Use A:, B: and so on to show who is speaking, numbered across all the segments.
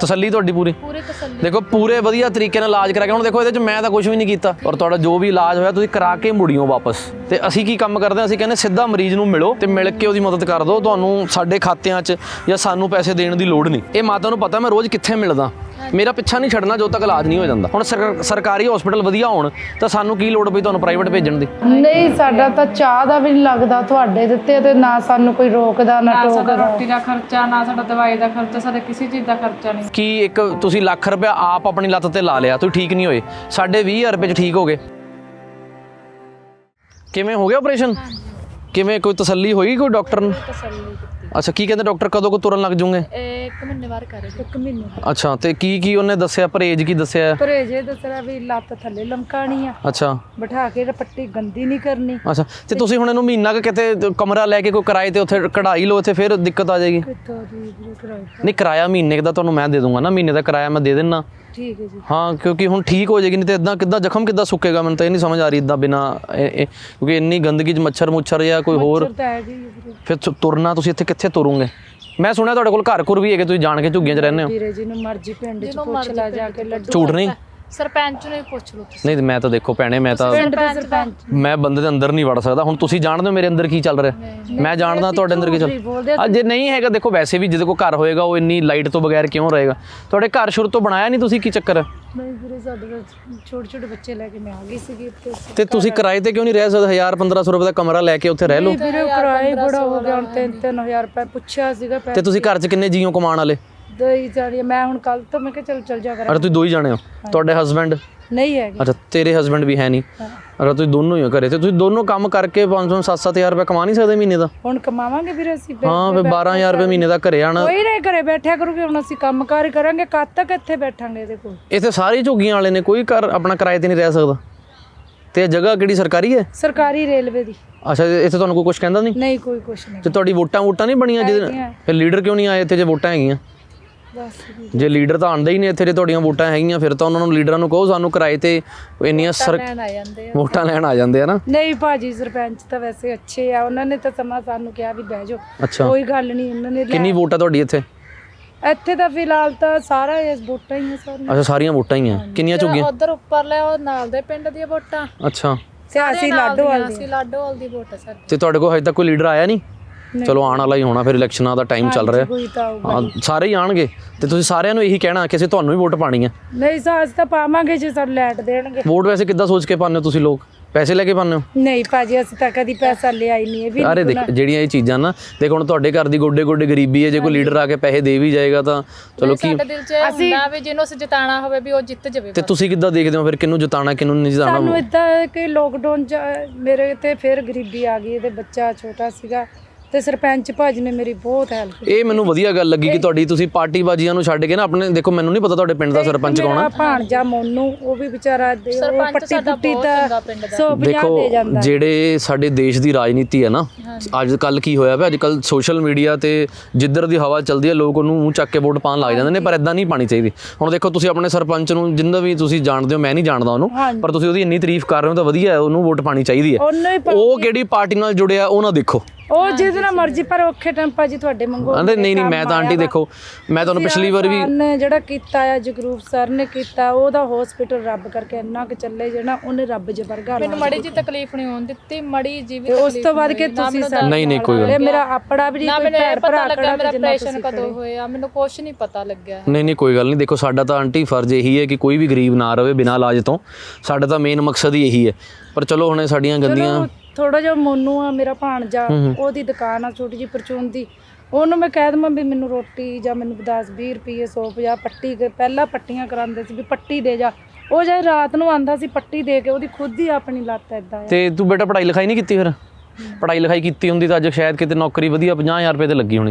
A: ਤਸੱਲੀ ਤੁਹਾਡੀ ਪੂਰੀ
B: ਤਸੱਲੀ
A: ਦੇਖੋ ਪੂਰੇ ਵਧੀਆ ਤਰੀਕੇ ਨਾਲ ਇਲਾਜ ਕਰਾ ਕੇ ਹੁਣ ਦੇਖੋ ਇਹਦੇ 'ਚ ਮੈਂ ਤਾਂ ਕੁਝ ਵੀ ਨਹੀਂ ਕੀਤਾ ਔਰ ਤੁਹਾਡਾ ਜੋ ਵੀ ਇਲਾਜ ਹੋਇਆ ਤੁਸੀਂ ਕਰਾ ਕੇ ਮੁੜਿਓ ਵਾਪਸ ਤੇ ਅਸੀਂ ਕੀ ਕੰਮ ਕਰਦੇ ਹਾਂ ਅਸੀਂ ਕਹਿੰਦੇ ਸਿੱਧਾ ਮਰੀਜ਼ ਨੂੰ ਮਿਲੋ ਤੇ ਮਿਲ ਕੇ ਉਹਦੀ ਮਦਦ ਕਰ ਦਿਓ ਤੁਹਾਨੂੰ ਸਾਡੇ ਖਾਤਿਆਂ 'ਚ ਜਾਂ ਸਾਨੂੰ ਪੈਸੇ ਦੇਣ ਦੀ ਲੋੜ ਨਹੀਂ ਇਹ ਮਾਤਾ ਨੂੰ ਪਤਾ ਮੈਂ ਰੋਜ਼ ਕਿੱਥੇ ਮਿਲਦਾ ਮੇਰਾ ਪਿੱਛਾ ਨਹੀਂ ਛੱਡਣਾ ਜਦੋਂ ਤੱਕ ਇਲਾਜ ਨਹੀਂ ਹੋ ਜਾਂਦਾ ਹੁਣ ਸਰਕਾਰੀ ਹਸਪੀਟਲ ਵਧੀਆ ਹੋਣ ਤਾਂ ਸਾਨੂੰ ਕੀ ਲੋੜ ਪਈ ਤੁਹਾਨੂੰ ਪ੍ਰਾਈਵੇਟ ਭੇਜਣ ਦੀ
C: ਨਹੀਂ ਸਾਡਾ ਤਾਂ ਚਾਹ ਦਾ ਵੀ ਨਹੀਂ ਲੱਗਦਾ ਤੁਹਾਡੇ ਦਿੱਤੇ ਤੇ ਨਾ ਸਾਨੂੰ ਕੋਈ ਰੋਕਦਾ ਨਾ ਟੋਕਦਾ
D: ਰੋਟੀ ਦਾ ਖਰਚਾ ਨਾ ਸਾਡਾ ਦਵਾਈ ਦਾ ਖਰਚਾ ਸਾਡੇ ਕਿਸੇ ਚੀਜ਼ ਦਾ ਖਰਚਾ ਨਹੀਂ
A: ਕੀ ਇੱਕ ਤੁਸੀਂ ਲੱਖ ਰੁਪਇਆ ਆਪ ਆਪਣੀ ਲੱਤ ਤੇ ਲਾ ਲਿਆ ਤੁਸੀਂ ਠੀਕ ਨਹੀਂ ਹੋਏ ਸਾਡੇ 20,000 ਰੁਪਏ 'ਚ ਠੀਕ ਹੋ ਗਏ ਕਿਵੇਂ ਹੋ ਗਿਆ ਆਪਰੇਸ਼ਨ ਕਿਵੇਂ ਕੋਈ ਤਸੱਲੀ ਹੋਈ ਕੋਈ ਡਾਕਟਰ ਨੂੰ ਅੱਛਾ ਕੀ ਕਹਿੰਦੇ ਡਾਕਟਰ ਕਦੋਂ ਕੋ ਤੁਰਨ ਲੱਗ ਜੂਗੇ
B: 1 ਮਹੀਨੇ ਬਾਅਦ ਕਰੇ
C: 1 ਮਹੀਨੇ
A: ਅੱਛਾ ਤੇ ਕੀ ਉਹਨੇ ਦੱਸਿਆ ਪਰਹੇਜ ਕੀ ਦੱਸਿਆ
C: ਪਰਹੇਜ ਇਹ ਦੱਸਣਾ ਵੀ ਲੱਤ ਥੱਲੇ ਲਮਕਾਣੀ ਆ
A: ਅੱਛਾ
C: ਬਿਠਾ ਕੇ ਪੱਟੀ ਗੰਦੀ ਨਹੀਂ ਕਰਨੀ
A: ਅੱਛਾ ਤੇ ਤੁਸੀਂ ਹੁਣ ਇਹਨੂੰ ਮਹੀਨਾ ਕਿਤੇ ਕਮਰਾ ਲੈ ਕੇ ਕੋਈ ਕਿਰਾਏ ਤੇ ਉੱਥੇ ਕਢਾਈ ਲਓ ਇੱਥੇ ਫਿਰ ਦਿੱਕਤ ਆ ਜਾਏਗੀ
C: ਕਿੱਥੋਂ ਦੀ ਕਿਰਾਏ
A: ਨਹੀਂ ਕਿਰਾਇਆ ਮਹੀਨੇ ਦਾ ਤੁਹਾਨੂੰ ਮੈਂ ਦੇ ਦੂੰਗਾ ਨਾ ਮਹੀਨੇ ਦਾ ਕਿਰਾਇਆ ਮੈਂ ਦੇ ਦੇਣਾ
C: ਠੀਕ ਹੈ ਜੀ
A: ਹਾਂ ਕਿਉਂਕਿ ਹੁਣ ਠੀਕ ਹੋ ਜਾਏਗੀ ਨਹੀਂ ਤੇ ਇਦਾਂ ਕਿੱਦਾਂ ਜ਼ਖਮ ਕਿੱਦਾਂ ਸੁੱਕੇਗਾ ਮੈਨੂੰ ਤਾਂ ਇਹ ਨਹੀਂ ਸਮਝ ਆ ਰਹੀ ਇਦਾਂ ਬਿਨਾ ਕਿਉਂਕਿ ਇੰਨੀ ਗੰਦਗੀ 'ਚ ਮੱਛਰ ਮੁੱਛਰ ਜਾਂ ਕੋਈ ਹੋਰ ਫਿਰ ਤੁਰਨਾ ਤੁਸੀਂ ਇੱਥੇ ਕਿੱਥੇ ਤੁਰੋਗੇ ਮੈਂ ਸੁਣਿਆ ਤੁਹਾਡੇ ਕੋਲ ਘਰ ਘੁਰ ਵੀ ਹੈਗੇ ਤੁਸੀਂ ਜਾਣ ਕੇ ਝੁੱਗੀਆਂ 'ਚ ਰਹਿੰਦੇ ਹੋ
C: ਵੀਰੇ ਜੀ ਨੂੰ ਮਰਜ਼ੀ ਪਿੰਡ 'ਚ ਪੁੱਛ ਲਾ ਜਾ ਕੇ ਲੱਡੂ
A: ਝੂਠ ਨਹੀਂ
B: ਸਰਪੰਚ ਨੂੰ ਹੀ ਪੁੱਛ ਲਓ ਤੁਸੀਂ
A: ਨਹੀਂ ਮੈਂ ਤਾਂ ਦੇਖੋ ਭੈਣੇ ਮੈਂ ਤਾਂ ਮੈਂ ਬੰਦੇ ਦੇ ਅੰਦਰ ਨਹੀਂ ਵੜ ਸਕਦਾ ਹੁਣ ਤੁਸੀਂ ਜਾਣਦੇ ਹੋ ਮੇਰੇ ਅੰਦਰ ਕੀ ਚੱਲ ਰਿਹਾ ਮੈਂ ਜਾਣਦਾ ਤੁਹਾਡੇ ਅੰਦਰ ਕੀ ਚੱਲ ਜੇ ਨਹੀਂ ਹੈਗਾ ਦੇਖੋ ਵੈਸੇ ਵੀ ਜਿਹਦੇ ਕੋਲ ਘਰ ਹੋਏਗਾ ਉਹ ਇੰਨੀ ਲਾਈਟ ਤੋਂ ਬਗੈਰ ਕਿਉਂ ਰਹੇਗਾ ਤੁਹਾਡੇ ਘਰ ਸ਼ੁਰੂ ਤੋਂ ਬਣਾਇਆ ਨਹੀਂ ਤੁਸੀਂ ਕੀ ਚੱਕਰ ਹੈ
C: ਨਹੀਂ ਵੀਰੇ ਸਾਡੇ ਛੋਟੇ ਛੋਟੇ ਬੱਚੇ ਲੈ ਕੇ ਮੈਂ ਆ ਗਈ ਸੀਗੀ
A: ਤੇ ਤੁਸੀਂ ਕਿਰਾਏ ਤੇ ਕਿਉਂ ਨਹੀਂ ਰਹਿ ਸਕਦੇ 1000-1500 ਰੁਪਏ ਦਾ ਕਮਰਾ ਲੈ ਕੇ ਉੱਥੇ ਰਹਿ ਲਓ
C: ਵੀਰੇ ਕਿਰਾਇਆ ਬੜਾ ਹੋ ਗਿਆ ਹੁਣ 3-3000 ਰੁਪਏ ਪੁੱਛਿਆ ਸੀਗਾ
A: ਤੇ ਤੁਸੀਂ ਘਰ 'ਚ ਕਿੰਨੇ ਜੀਓ ਕਮਾਉਣ ਵਾਲੇ
C: ਦਈ ਜਾਣੀ ਮੈਂ ਹੁਣ ਕੱਲ ਤੋਂ ਮੈਂ ਕਿਹਾ ਚੱਲ ਜਾ ਕਰਾਂ
A: ਅਰੇ ਤੁਸੀਂ ਦੋ ਹੀ ਜਾਣੇ ਹੋ ਤੁਹਾਡੇ ਹਸਬੈਂਡ
C: ਨਹੀਂ ਹੈਗੇ
A: ਅੱਛਾ ਤੇਰੇ ਹਸਬੈਂਡ ਵੀ ਹੈ ਨਹੀਂ ਅਰੇ ਤੁਸੀਂ ਦੋਨੋਂ ਹੀ ਹੋ ਘਰੇ ਤੇ ਤੁਸੀਂ ਦੋਨੋਂ ਕੰਮ ਕਰਕੇ 500-7-7000 ਰੁਪਏ ਕਮਾ ਨਹੀਂ ਸਕਦੇ ਮਹੀਨੇ ਦਾ
C: ਹੁਣ ਕਮਾਵਾਂਗੇ ਵੀਰੇ ਅਸੀਂ
A: ਹਾਂ ਫਿਰ 12000 ਰੁਪਏ ਮਹੀਨੇ ਦਾ ਘਰੇ ਆਣਾ
C: ਕੋਈ ਨਹੀਂ ਘਰੇ ਬੈਠਿਆ ਕਰੂਗੇ ਹੁਣ ਅਸੀਂ ਕੰਮ ਕਾਰ ਕਰਾਂਗੇ ਕਦ ਤੱਕ ਇੱਥੇ ਬੈਠਾਂਗੇ ਇਹਦੇ ਕੋਲ
A: ਇੱਥੇ ਸਾਰੇ ਝੁੱਗੀਆਂ ਵਾਲੇ ਨੇ ਕੋਈ ਘਰ ਆਪਣਾ ਕਿਰਾਏ ਤੇ ਨਹੀਂ ਰਹਿ ਸਕਦਾ ਤੇ ਜਗ੍ਹਾ ਕਿਹੜੀ ਸਰਕਾਰੀ ਹੈ
C: ਸਰਕਾਰੀ ਰੇਲਵੇ ਦੀ
A: ਅੱਛਾ ਇੱਥੇ ਤੁਹਾਨੂੰ ਕੋਈ ਕੁਝ ਕਹਿੰਦਾ ਨਹੀਂ
C: ਕੋਈ ਕੁਛ ਨਹੀਂ
A: ਤੇ ਤੁਹਾਡੀ ਵੋਟਾਂ ਨਹੀਂ ਬਣੀਆਂ ਜਿਹਦੇ ਫਿਰ ਲੀਡਰ ਕਿਉਂ ਨਹੀਂ ਆਏ ਇੱਥੇ ਜੇ ਵੋਟਾਂ ਹੈਗੀਆਂ
C: ਬਸ
A: ਜੇ ਲੀਡਰ ਤਾਂ ਆਉਂਦਾ ਹੀ ਨਹੀਂ ਇੱਥੇ ਜੇ ਤੁਹਾਡੀਆਂ ਵੋਟਾਂ ਹੈਗੀਆਂ ਫਿਰ ਤਾਂ ਉਹਨਾਂ ਨੂੰ ਲੀਡਰਾਂ ਨੂੰ ਕਹੋ ਸਾਨੂੰ ਕਿਰਾਏ ਤੇ ਇੰਨੀਆਂ ਵੋਟਾਂ ਲੈਣ ਆ ਜਾਂਦੇ ਆ ਨਾ
C: ਨਹੀਂ ਭਾਜੀ ਸਰਪੰਚ ਤਾਂ ਵੈਸੇ ਅੱਛੇ ਆ ਉਹਨਾਂ ਨੇ ਤਾਂ ਸਮਾਂ ਸਾਨੂੰ ਕਿਹਾ ਵੀ ਬਹਿ ਜਾਓ
A: ਅੱਛਾ
C: ਕੋਈ ਗੱਲ ਨਹੀਂ ਉਹਨਾਂ ਨੇ
A: ਕਿੰਨੀ ਵੋਟ ਆ ਤੁਹਾਡੀ ਇੱਥੇ
C: ਤਾਂ ਫਿਲਹਾਲ ਤਾਂ ਸਾਰਾ ਇਸ ਵੋਟਾਂ ਹੀ ਆ ਸਾਰੀਆਂ
A: ਅੱਛਾ ਸਾਰੀਆਂ ਵੋਟਾਂ ਹੀ ਆ ਕਿੰਨੀਆਂ ਝੁੱਗੀਆਂ
B: ਉਧਰ ਉੱਪਰ ਲੈ ਉਹ ਨਾਲ ਦੇ ਪਿੰਡ ਦੀਆਂ ਵੋਟਾਂ
A: ਅੱਛਾ
C: ਸਿਆਸੀ ਲਾਡੋਵਾਲ
B: ਦੀ ਵੋਟ ਹੈ ਸਰ
A: ਤੇ ਤੁਹਾਡੇ ਕੋਲ ਹਜੇ ਤੱਕ ਕੋਈ ਲੀਡਰ ਆਇਆ ਨਹੀਂ ਚਲੋ ਆਉਣ ਵਾਲਾ ਹੀ ਹੋਣਾ ਫਿਰ ਇਲੈਕਸ਼ਨਾਂ ਦਾ ਟਾਈਮ ਚੱਲ ਰਿਹਾ ਹਾਂ ਸਾਰੇ ਹੀ ਆਣਗੇ ਤੇ ਤੁਸੀਂ ਸਾਰਿਆਂ ਨੂੰ ਇਹੀ ਕਹਿਣਾ ਕਿ ਅਸੀਂ ਤੁਹਾਨੂੰ ਹੀ ਵੋਟ ਪਾਣੀ ਹੈ
C: ਨਹੀਂ ਸਾਜ ਤਾਂ ਪਾਵਾਂਗੇ ਜੇ ਸਾਨੂੰ ਲੈਟ ਦੇਣਗੇ
A: ਵੋਟ ਵੈਸੇ ਕਿੱਦਾਂ ਸੋਚ ਕੇ ਪਾਉਂਦੇ ਹੋ ਤੁਸੀਂ ਲੋਕ ਪੈਸੇ ਲੈ ਕੇ ਪਾਉਂਦੇ ਹੋ
C: ਨਹੀਂ ਭਾਜੀ ਅਸੀਂ ਤਾਂ ਕਦੀ ਪੈਸਾ ਲਿਆ ਹੀ ਨਹੀਂ ਇਹ ਵੀ
A: ਅਰੇ ਦੇਖ ਜਿਹੜੀਆਂ ਇਹ ਚੀਜ਼ਾਂ ਨਾ ਦੇਖ ਹੁਣ ਤੁਹਾਡੇ ਘਰ ਦੀ ਗੋਡੇ ਗੋਡੇ ਗਰੀਬੀ ਹੈ ਜੇ ਕੋਈ ਲੀਡਰ ਆ ਕੇ ਪੈਸੇ ਦੇ ਵੀ ਜਾਏਗਾ ਤਾਂ ਚਲੋ ਕੀ
B: ਸਾਡੇ ਦਿਲ 'ਚ ਹੁੰਦਾ ਵੀ ਜਿਹਨੂੰ ਅਸੀਂ ਜਿਤਾਣਾ ਹੋਵੇ ਵੀ ਉਹ ਜਿੱਤ ਜਾਵੇ
A: ਤੇ ਤੁਸੀਂ ਕਿੱਦਾਂ ਦੇਖਦੇ ਹੋ ਫਿਰ ਕਿਹਨੂੰ ਜਿਤਾਣਾ ਕਿਹਨੂੰ ਨਹੀਂ ਜਿਤਾਣਾ
C: ਸਾਨੂੰ ਇਦਾਂ ਕਿ ਲੋਕਡਾਊਨ 'ਚ ਮੇਰੇ ਤੇ ਫਿਰ ਗਰੀਬੀ ਆ ਗਈ ਇਹਦੇ ਬੱਚਾ ਛੋਟਾ ਸੀਗਾ ਤੇ ਸਰਪੰਚ ਭਾਜੀ ਨੇ ਮੇਰੀ ਬਹੁਤ ਹੈਲਪ ਕੀਤੀ
A: ਇਹ ਮੈਨੂੰ ਵਧੀਆ ਗੱਲ ਲੱਗੀ ਕਿ ਤੁਹਾਡੀ ਤੁਸੀਂ ਪਾਰਟੀ ਬਾਜੀਆਂ ਨੂੰ ਛੱਡ ਕੇ ਨਾ ਆਪਣੇ ਦੇਖੋ ਮੈਨੂੰ ਨਹੀਂ ਪਤਾ ਤੁਹਾਡੇ ਪਿੰਡ ਦਾ ਸਰਪੰਚ ਕੌਣ ਆ
C: ਭਾਣਜਾ ਮੋਨੂ ਉਹ ਵੀ ਵਿਚਾਰਾ ਉਹ ਪੱਟੀ ਪੁੱਟੀ ਦਾ 150
A: ਦੇਖੋ
C: ਦੇ ਜਾਂਦਾ
A: ਜਿਹੜੇ ਸਾਡੇ ਦੇਸ਼ ਦੀ ਰਾਜਨੀਤੀ ਹੈ ਨਾ ਅੱਜ ਕੱਲ ਕੀ ਹੋਇਆ ਪਿਆ ਅੱਜ ਕੱਲ ਸੋਸ਼ਲ ਮੀਡੀਆ ਤੇ ਜਿੱਧਰ ਦੀ ਹਵਾ ਚੱਲਦੀ ਹੈ ਲੋਕ ਉਹਨੂੰ ਮੂੰਹ ਚੱਕ ਕੇ ਵੋਟ ਪਾਉਣ ਲੱਗ ਜਾਂਦੇ ਨੇ ਪਰ ਇਦਾਂ ਨਹੀਂ ਪਾਣੀ ਚਾਹੀਦੀ ਹੁਣ ਦੇਖੋ ਤੁਸੀਂ ਆਪਣੇ ਸਰਪੰਚ ਨੂੰ ਜਿੰਦਾ ਵੀ ਤੁਸੀਂ ਜਾਣਦੇ ਹੋ ਮੈਂ ਨਹੀਂ ਜਾਣਦਾ ਉਹਨੂੰ ਪਰ ਤੁਸੀਂ ਉਹਦੀ ਇੰਨੀ ਤਾਰੀਫ ਕਰ ਰਹੇ ਹੋ ਤਾਂ ਵਧੀਆ ਹੈ ਉਹਨੂੰ ਵੋਟ ਪਾਣੀ ਚਾਹੀਦੀ ਹੈ ਉਹ ਕਿਹੜੀ ਪਾਰਟੀ ਨਾਲ ਜੁੜਿਆ ਉਹ ਨਾ ਦੇਖੋ
C: ਉਹ ਜਿਹਦੇ ਨਾਲ ਮਰਜ਼ੀ ਪਰ ਔਖੇ ਟਾਈਮ ਭਾਜੀ ਤੁਹਾਡੇ ਮੰਗੋ
A: ਨਹੀਂ ਮੈਂ ਤਾਂ ਆਂਟੀ ਦੇਖੋ ਮੈਂ ਤੁਹਾਨੂੰ ਪਿਛਲੀ ਵਾਰ ਵੀ
C: ਜਿਹੜਾ ਕੀਤਾ ਆ ਜਗਰੂਪ ਸਰ ਨੇ ਕੀਤਾ ਉਹਦਾ ਹਸਪੀਟਲ ਰੱਬ ਕਰਕੇ ਇੰਨਾ ਕੁ ਚੱਲੇ ਜਿਹੜਾ ਉਹਨੇ ਰੱਬ ਜਬਰਗਾ
B: ਮੈਨੂੰ ਮੜੀ ਜੀ ਤਕਲੀਫ ਨਹੀਂ ਹੋਣ ਦਿੱਤੀ ਮੜੀ ਜੀ ਵੀ
C: ਉਸ ਤੋਂ ਬਾਅਦ ਕਿ ਤੁਸੀਂ
A: ਨਹੀਂ ਕੋਈ ਗੱਲ
C: ਮੇਰਾ ਆਪੜਾ ਵੀ
B: ਨਾ ਮੈਨੂੰ ਇਹ ਪਤਾ ਲੱਗਾ ਮੇਰਾ ਆਪਰੇਸ਼ਨ ਕਦੋਂ ਹੋਇਆ ਮੈਨੂੰ ਕੁਝ ਨਹੀਂ ਪਤਾ ਲੱਗਿਆ
A: ਨਹੀਂ ਕੋਈ ਗੱਲ ਨਹੀਂ ਦੇਖੋ ਸਾਡਾ ਤਾਂ ਆਂਟੀ ਫਰਜ਼ ਇਹੀ ਹੈ ਕਿ ਕੋਈ ਵੀ ਗਰੀਬ ਨਾ ਰਵੇ ਬਿਨਾਂ ਇਲਾਜ ਤੋਂ ਸਾਡਾ ਤਾਂ ਮੇਨ ਮਕਸਦ ਹੀ ਇਹੀ ਹੈ ਪਰ ਚਲੋ ਹੁਣ ਸਾਡੀਆਂ ਗੰਦੀਆਂ
C: ਥੋੜਾ ਜਿਹਾ ਮੋਨੂ ਆ ਮੇਰਾ ਭਾਣਜਾ ਉਹਦੀ ਦੁਕਾਨ ਆ ਛੋਟੀ ਜਿਹੀ ਪਰਚੂਨ ਦੀ ਉਹਨੂੰ ਮੈਂ ਕਹਿ ਦਵਾਂ ਵੀ ਮੈਨੂੰ ਰੋਟੀ ਜਾਂ ਮੈਨੂੰ 10-20 ਰੁਪਏ 150 ਪੱਟੀ ਪਹਿਲਾਂ ਪੱਟੀਆਂ ਕਰਾਉਂਦੇ ਸੀ ਵੀ ਪੱਟੀ ਦੇ ਜਾ ਉਹ ਜੇ ਰਾਤ ਨੂੰ ਆਂਦਾ ਸੀ ਪੱਟੀ ਦੇ ਕੇ ਉਹਦੀ ਖੁਦ ਹੀ ਆਪਣੀ ਲੱਤ ਏਦਾਂ
A: ਤੇ ਤੂੰ ਬੇਟਾ ਪੜ੍ਹਾਈ ਲਿਖਾਈ ਨਹੀਂ ਕੀਤੀ ਫਿਰ ਪੜ੍ਹਾਈ ਲਿਖਾਈ ਕੀਤੀ ਹੁੰਦੀ ਤਾਂ ਅੱਜ ਸ਼ਾਇਦ ਕਿਤੇ ਨੌਕਰੀ ਵਧੀਆ 50000 ਰੁਪਏ ਤੇ ਲੱਗੀ ਹੋਣੀ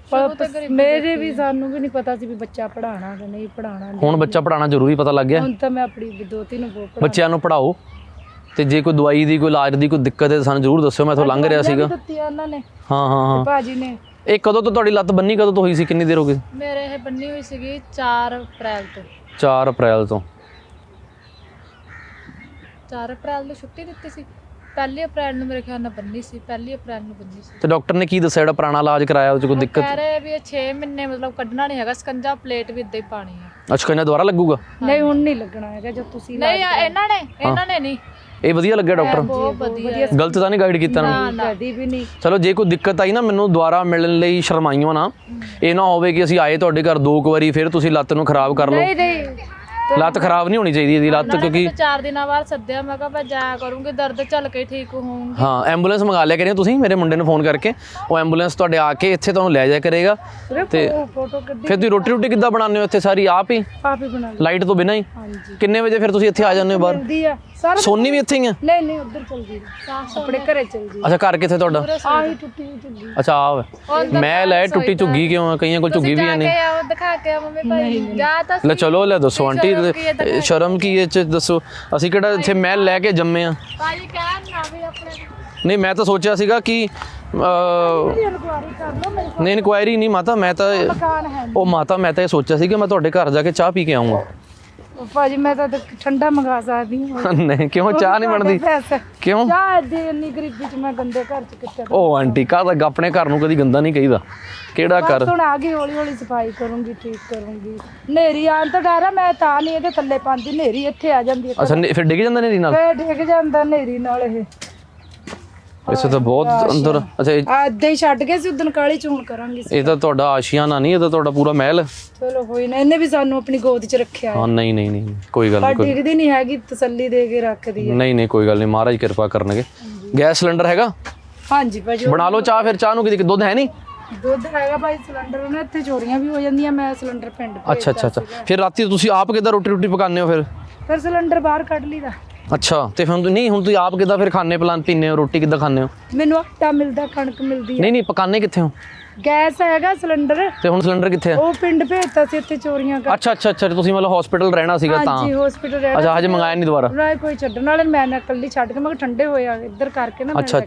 A: ਸੀ
C: ਮੇਰੇ ਵੀ ਸਾਨੂੰ ਵੀ ਨਹੀਂ ਪਤਾ ਸੀ ਵੀ ਬੱਚਾ ਪੜ੍ਹਾਉਣਾ ਕਿ ਨਹੀਂ ਪੜ੍ਹਾਉਣਾ
A: ਹੁਣ ਬੱਚਾ ਪੜ੍ਹਾਉਣਾ ਜ਼ਰੂਰੀ ਪਤਾ ਲੱਗ ਗਿਆ
C: ਹੁਣ ਤਾਂ ਮੈਂ ਆਪਣੀ ਦੋਤੀ ਨੂੰ ਬਹੁਤ
A: ਬੱਚਿਆਂ ਨੂੰ ਪੜ੍ਹਾਓ ਤੇ ਜੇ ਕੋਈ ਦਵਾਈ ਦੀ ਕੋਈ ਇਲਾਜ ਦੀ ਕੋਈ ਦਿੱਕਤ ਹੈ ਸਾਨੂੰ ਜ਼ਰੂਰ ਦੱਸਿਓ ਮੈਂ ਇੱਥੋਂ ਲੰਘ ਰਿਹਾ ਸੀਗਾ ਹਾਂ
C: ਭਾਜੀ ਨੇ
A: ਇਹ ਕਦੋਂ ਤੋਂ ਤੁਹਾਡੀ ਲੱਤ ਬੰਨੀ ਕਦੋਂ ਤੋਂ ਹੋਈ ਸੀ ਕਿੰਨੀ ਦੇਰ ਹੋ ਗਈ
B: ਮੇਰੇ ਇਹ ਬੰਨੀ ਹੋਈ ਸੀਗੀ 4 ਅਪ੍ਰੈਲ ਤੋਂ
A: 4 ਅਪ੍ਰੈਲ ਤੋਂ
B: 4 ਅਪ੍ਰੈਲ ਨੂੰ ਛੁੱਟੀ ਦਿੱਤੀ ਸੀ 1 ਅਪ੍ਰੈਲ ਨੂੰ ਮੇਰੇ ਖਿਆਲ ਨਾਲ ਬੰਨੀ ਸੀ, 1 ਅਪ੍ਰੈਲ ਨੂੰ ਬੰਨੀ ਸੀ।
A: ਤੇ ਡਾਕਟਰ ਨੇ ਕੀ ਦੱਸਿਆ ਜਿਹੜਾ ਪੁਰਾਣਾ ਇਲਾਜ ਕਰਾਇਆ ਉਹ 'ਚ ਕੋਈ ਦਿੱਕਤ?
B: ਕਹਿ ਰਹੇ ਵੀ ਇਹ 6 ਮਹੀਨੇ ਮਤਲਬ ਕੱਢਣਾ ਨਹੀਂ ਹੈਗਾ, ਸਕੰਜਾ ਪਲੇਟ ਵੀ ਇੱਦਾਂ ਹੀ ਪਾਣੀ ਹੈ।
A: ਅੱਛਾ ਕਹਿੰਦਾ ਦੁਬਾਰਾ ਲੱਗੂਗਾ?
C: ਨਹੀਂ ਹੁਣ ਨਹੀਂ ਲੱਗਣਾ ਹੈਗਾ ਜਦ ਤੁਸੀਂ
B: ਨਹੀਂ ਇਹਨਾਂ ਨੇ ਨਹੀਂ।
A: ਇਹ ਵਧੀਆ ਲੱਗਿਆ ਡਾਕਟਰ?
B: ਬਹੁਤ ਵਧੀਆ।
A: ਗਲਤ ਤਾਂ ਨਹੀਂ ਗਾਈਡ ਕੀਤਾ ਨਾ?
C: ਕਦੀ ਵੀ ਨਹੀਂ।
A: ਚਲੋ ਜੇ ਕੋਈ ਦਿੱਕਤ ਆਈ ਨਾ ਮੈਨੂੰ ਦੁਬਾਰਾ ਮਿਲਣ ਲਈ ਸ਼ਰਮਾਈਓ ਨਾ, ਇਹ ਨਾ ਹੋਵੇ ਕਿ ਅਸੀਂ ਆਏ ਤੁਹਾਡੇ ਘਰ 2 ਵਾਰੀ ਫਿਰ ਤੁਸੀਂ ਲੱਤ ਨੂੰ ਖਰਾਬ ਕਰ ਲਓ।
C: ਨਹੀਂ
A: ਲੱਤ ਖਰਾਬ ਨਹੀਂ ਹੋਣੀ ਚਾਹੀਦੀ ਇਹਦੀ ਲੱਤ, ਕਿਉਂਕਿ
B: 4 ਦਿਨਾਂ ਬਾਅਦ ਸੱਦਿਆ, ਮੈਂ ਕਿਹਾ ਮੈਂ ਜਾਇਆ ਕਰੂੰਗੀ, ਦਰਦ ਚੱਲ ਕੇ ਠੀਕ ਹੋਊਂਗੀ।
A: ਹਾਂ ਐਂਬੂਲੈਂਸ ਮੰਗਾ ਲਿਆ ਕਰਿਓ ਤੁਸੀਂ, ਮੇਰੇ ਮੁੰਡੇ ਨੂੰ ਫੋਨ ਕਰਕੇ, ਉਹ ਐਂਬੂਲੈਂਸ ਤੁਹਾਡੇ ਆ ਕੇ ਇੱਥੇ ਤੁਹਾਨੂੰ ਲੈ ਜਾਇਆ ਕਰੇਗਾ। ਤੇ
C: ਫੋਟੋ ਕੱਢੀ
A: ਫਿਰ ਤੁਸੀਂ ਰੋਟੀ ਕਿੱਦਾਂ ਬਣਾਉਂਦੇ ਹੋ ਇੱਥੇ? ਸਾਰੀ ਆਪ ਹੀ
C: ਆਪ ਹੀ ਬਣਾ ਲਈ।
A: ਲਾਈਟ ਤੋਂ ਬਿਨਾਂ ਹੀ?
C: ਹਾਂਜੀ।
A: ਕਿੰਨੇ ਵਜੇ ਫਿਰ ਤੁਸੀਂ ਇੱਥੇ ਆ ਜਾਂਦੇ ਹੋ ਬਾਹਰ?
C: ਜਲਦੀ ਆ ਸਾਰਾ।
A: ਸੋਨੀ ਵੀ ਇੱਥੇ ਹੀ ਆ?
C: ਨਹੀਂ ਉੱਧਰ ਚਲ ਜੀ, ਆਪਣੇ ਘਰੇ ਚਲ ਜੀ।
A: ਅੱਛਾ ਘਰ ਕਿੱਥੇ ਤੁਹਾਡਾ?
C: ਆਹੀ ਟੁੱਟੀ ਹੋਈ ਝੁੱਗੀ।
A: ਅੱਛਾ ਆ ਮੈਂ ਲੈ ਟੁੱਟੀ ਝੁੱਗੀ ਕਿਉਂ ਆ? ਕਈਆਂ ਕੋਲ ਝੁੱਗੀ ਵੀ ਹੈ ਨਹੀਂ।
B: ਆਓ ਦਿਖਾ ਕੇ ਮੰਮੀ ਭਾਈ ਜਾ ਤਾਂ
A: ਲੈ ਚਲੋ ਲੈ ਦੱਸੋ ਆਂਟੀ, ਸ਼ਰਮ ਕੀ ਇਹ ਚ ਦੱਸੋ? ਅਸੀਂ ਕਿਹੜਾ ਇੱਥੇ ਮਹਿਲ ਲੈ ਕੇ ਜੰਮੇ ਆ?
B: ਭਾਜੀ ਕਹਿਣ ਨਾ ਵੀ ਆਪਣੇ
A: ਨਹੀਂ ਮੈਂ ਤਾਂ ਸੋਚਿਆ ਸੀਗਾ ਕਿ
C: ਇਨਕੁਆਰੀ ਕਰ ਲਓ ਮੇਰੇ
A: ਨਹੀਂ ਇਨਕੁਆਇਰੀ ਨਹੀਂ ਮਾਤਾ, ਮੈਂ ਤਾਂ
C: ਮਕਾਨ ਹੈ।
A: ਉਹ ਮਾਤਾ ਮੈਂ ਤਾਂ ਇਹ ਸੋਚਿਆ ਸੀ ਕਿ ਮੈਂ ਤੁਹਾਡੇ ਘਰ ਜਾ ਕੇ ਚਾਹ ਪੀ ਕੇ ਆਉਂਗਾ।
C: ਭਾਜੀ ਮੈਂ ਤਾਂ ਠੰਡਾ ਮੰਗਾ ਸਕਦੀ ਹਾਂ।
A: ਨਹੀਂ ਕਿਉਂ ਚਾਹ ਨਹੀਂ ਬਣਦੀ? ਕਿਉਂ?
C: ਚਾਹ ਦੇ ਇੰਨੀ ਗਰੀਬੀ ਚ ਮੈਂ ਗੰਦੇ ਘਰ ਚ ਕਿੱਥੇ?
A: ਉਹ ਆਂਟੀ ਕਾਹਦਾ ਆਪਣੇ ਘਰ ਨੂੰ ਕਦੀ ਗੰਦਾ ਨਹੀਂ ਕਹੀਦਾ। ਕਿਹੜਾ ਘਰ?
C: ਹੁਣ ਆ ਗਈ, ਹੌਲੀ ਹੌਲੀ ਸਫਾਈ ਕਰੂੰਗੀ, ਠੀਕ ਕਰੂੰਗੀ। ਨੇਰੀ ਆਉਣ ਤੋਂ ਡਰ ਆ, ਮੈਂ ਤਾਂ ਨਹੀਂ ਇਹਦੇ ਥੱਲੇ ਪਾਉਂਦੀ, ਨੇਰੀ ਇੱਥੇ ਆ ਜਾਂਦੀ ਹੈ।
A: ਅੱਛਾ ਫਿਰ ਡਿੱਗ ਜਾਂਦਾ ਨੇਰੀ ਨਾਲ?
C: ਫੇਰ ਡਿੱਗ ਜਾਂਦਾ ਨੇਰੀ ਨਾਲ। ਇਹ
A: ਇਸੇ ਤਾਂ ਬਹੁਤ ਅੰਦਰ। ਅੱਛਾ
C: ਏਦਾਂ ਹੀ ਛੱਡ ਗਏ ਸੀ ਉਦੋਂ, ਕਾਲੀ ਚੂਣ ਕਰਾਂਗੇ।
A: ਇਹ ਤਾਂ ਤੁਹਾਡਾ ਆਸ਼ੀਆਨਾ ਨਹੀਂ, ਇਹ ਤਾਂ ਤੁਹਾਡਾ ਪੂਰਾ ਮਹਿਲ।
C: ਚਲੋ ਹੋਈ ਨਾ, ਇਹਨੇ ਵੀ ਸਾਨੂੰ ਆਪਣੀ ਗੋਦ ਚ ਰੱਖਿਆ ਹੈ।
A: ਹਾਂ ਨਹੀਂ ਕੋਈ ਗੱਲ
C: ਪਰ
A: ਨਹੀਂ,
C: ਡਿੱਗਦੀ ਨਹੀਂ ਹੈਗੀ, ਤਸੱਲੀ ਦੇ ਕੇ ਰੱਖਦੀ ਹੈ।
A: ਨਹੀਂ ਕੋਈ ਗੱਲ ਨਹੀਂ, ਮਹਾਰਾਜ ਕਿਰਪਾ ਕਰਨਗੇ। ਗੈਸ ਸਿਲੰਡਰ ਹੈਗਾ?
C: ਹਾਂਜੀ ਭਾਜੀ
A: ਬਣਾ ਲਓ ਚਾਹ ਫਿਰ। ਚਾਹ ਨੂੰ ਕਿਤੇ ਦੁੱਧ ਹੈ ਨਹੀਂ?
C: ਦੁੱਧ ਹੈਗਾ ਭਾਈ, ਸਿਲੰਡਰ ਨਾ ਇੱਥੇ ਚੋਰੀਆਂ ਵੀ ਹੋ ਜਾਂਦੀਆਂ, ਮੈਂ ਸਿਲੰਡਰ ਪਿੰਡ ਭੇਜਦਾ
A: ਅੱਛਾ ਫਿਰ ਰਾਤੀ ਤੁਸੀਂ ਆਪ ਕਿੱਦਾਂ ਰੋਟੀ ਪਕਾਉਂਦੇ ਹੋ
C: ਫਿਰ ਸਿਲੰਡਰ ਬਾਹਰ ਕੱਢ ਲਈਦਾ।
A: ਅੱਛਾ ਤੇ ਫਿਰ ਨਹੀਂ ਹੁਣ ਤੁਸੀਂ ਆਪ ਕਿੱਦਾਂ ਫਿਰ ਖਾਣੇ ਪੀਂਦੇ ਹੋ, ਰੋਟੀ ਕਿੱਦਾਂ ਖਾਂਦੇ ਹੋ?
C: ਮੈਨੂੰ ਆਟਾ ਮਿਲਦਾ, ਕਣਕ ਮਿਲਦੀ ਹੈ।
A: ਨਹੀਂ ਪਕਾਉਂਦੇ ਕਿੱਥੇ ਹੋ?
C: ਗੈਸ ਹੈਗਾ, ਸਿਲੰਡਰ।
A: ਤੇ ਹੁਣ ਸਿਲੰਡਰ ਕਿੱਥੇ ਹੈ?
C: ਉਹ ਪਿੰਡ ਭੇਜਤਾ ਸੀ, ਇੱਥੇ ਚੋਰੀਆਂ ਕਰ।
A: ਅੱਛਾ ਤੁਸੀਂ ਮਤਲਬ ਹਸਪੀਟਲ ਰਹਿਣਾ ਸੀਗਾ ਤਾਂ?
C: ਹਾਂਜੀ ਹਸਪੀਟਲ ਰਹਿਣਾ।
A: ਅੱਛਾ ਹਜੇ ਮੰਗਾਇਆ ਨਹੀਂ ਦੁਬਾਰਾ?
C: ਨਾ ਕੋਈ ਛੱਡਣ ਵਾਲੇ, ਮੈਂ ਨਾ ਇਕੱਲੀ ਛੱਡ ਕੇ, ਮੈਂ ਕਿਹਾ ਠੰਡੇ ਹੋਏ ਆ ਇੱਧਰ ਕਰਕੇ ਨਾ।
A: ਅੱਛਾ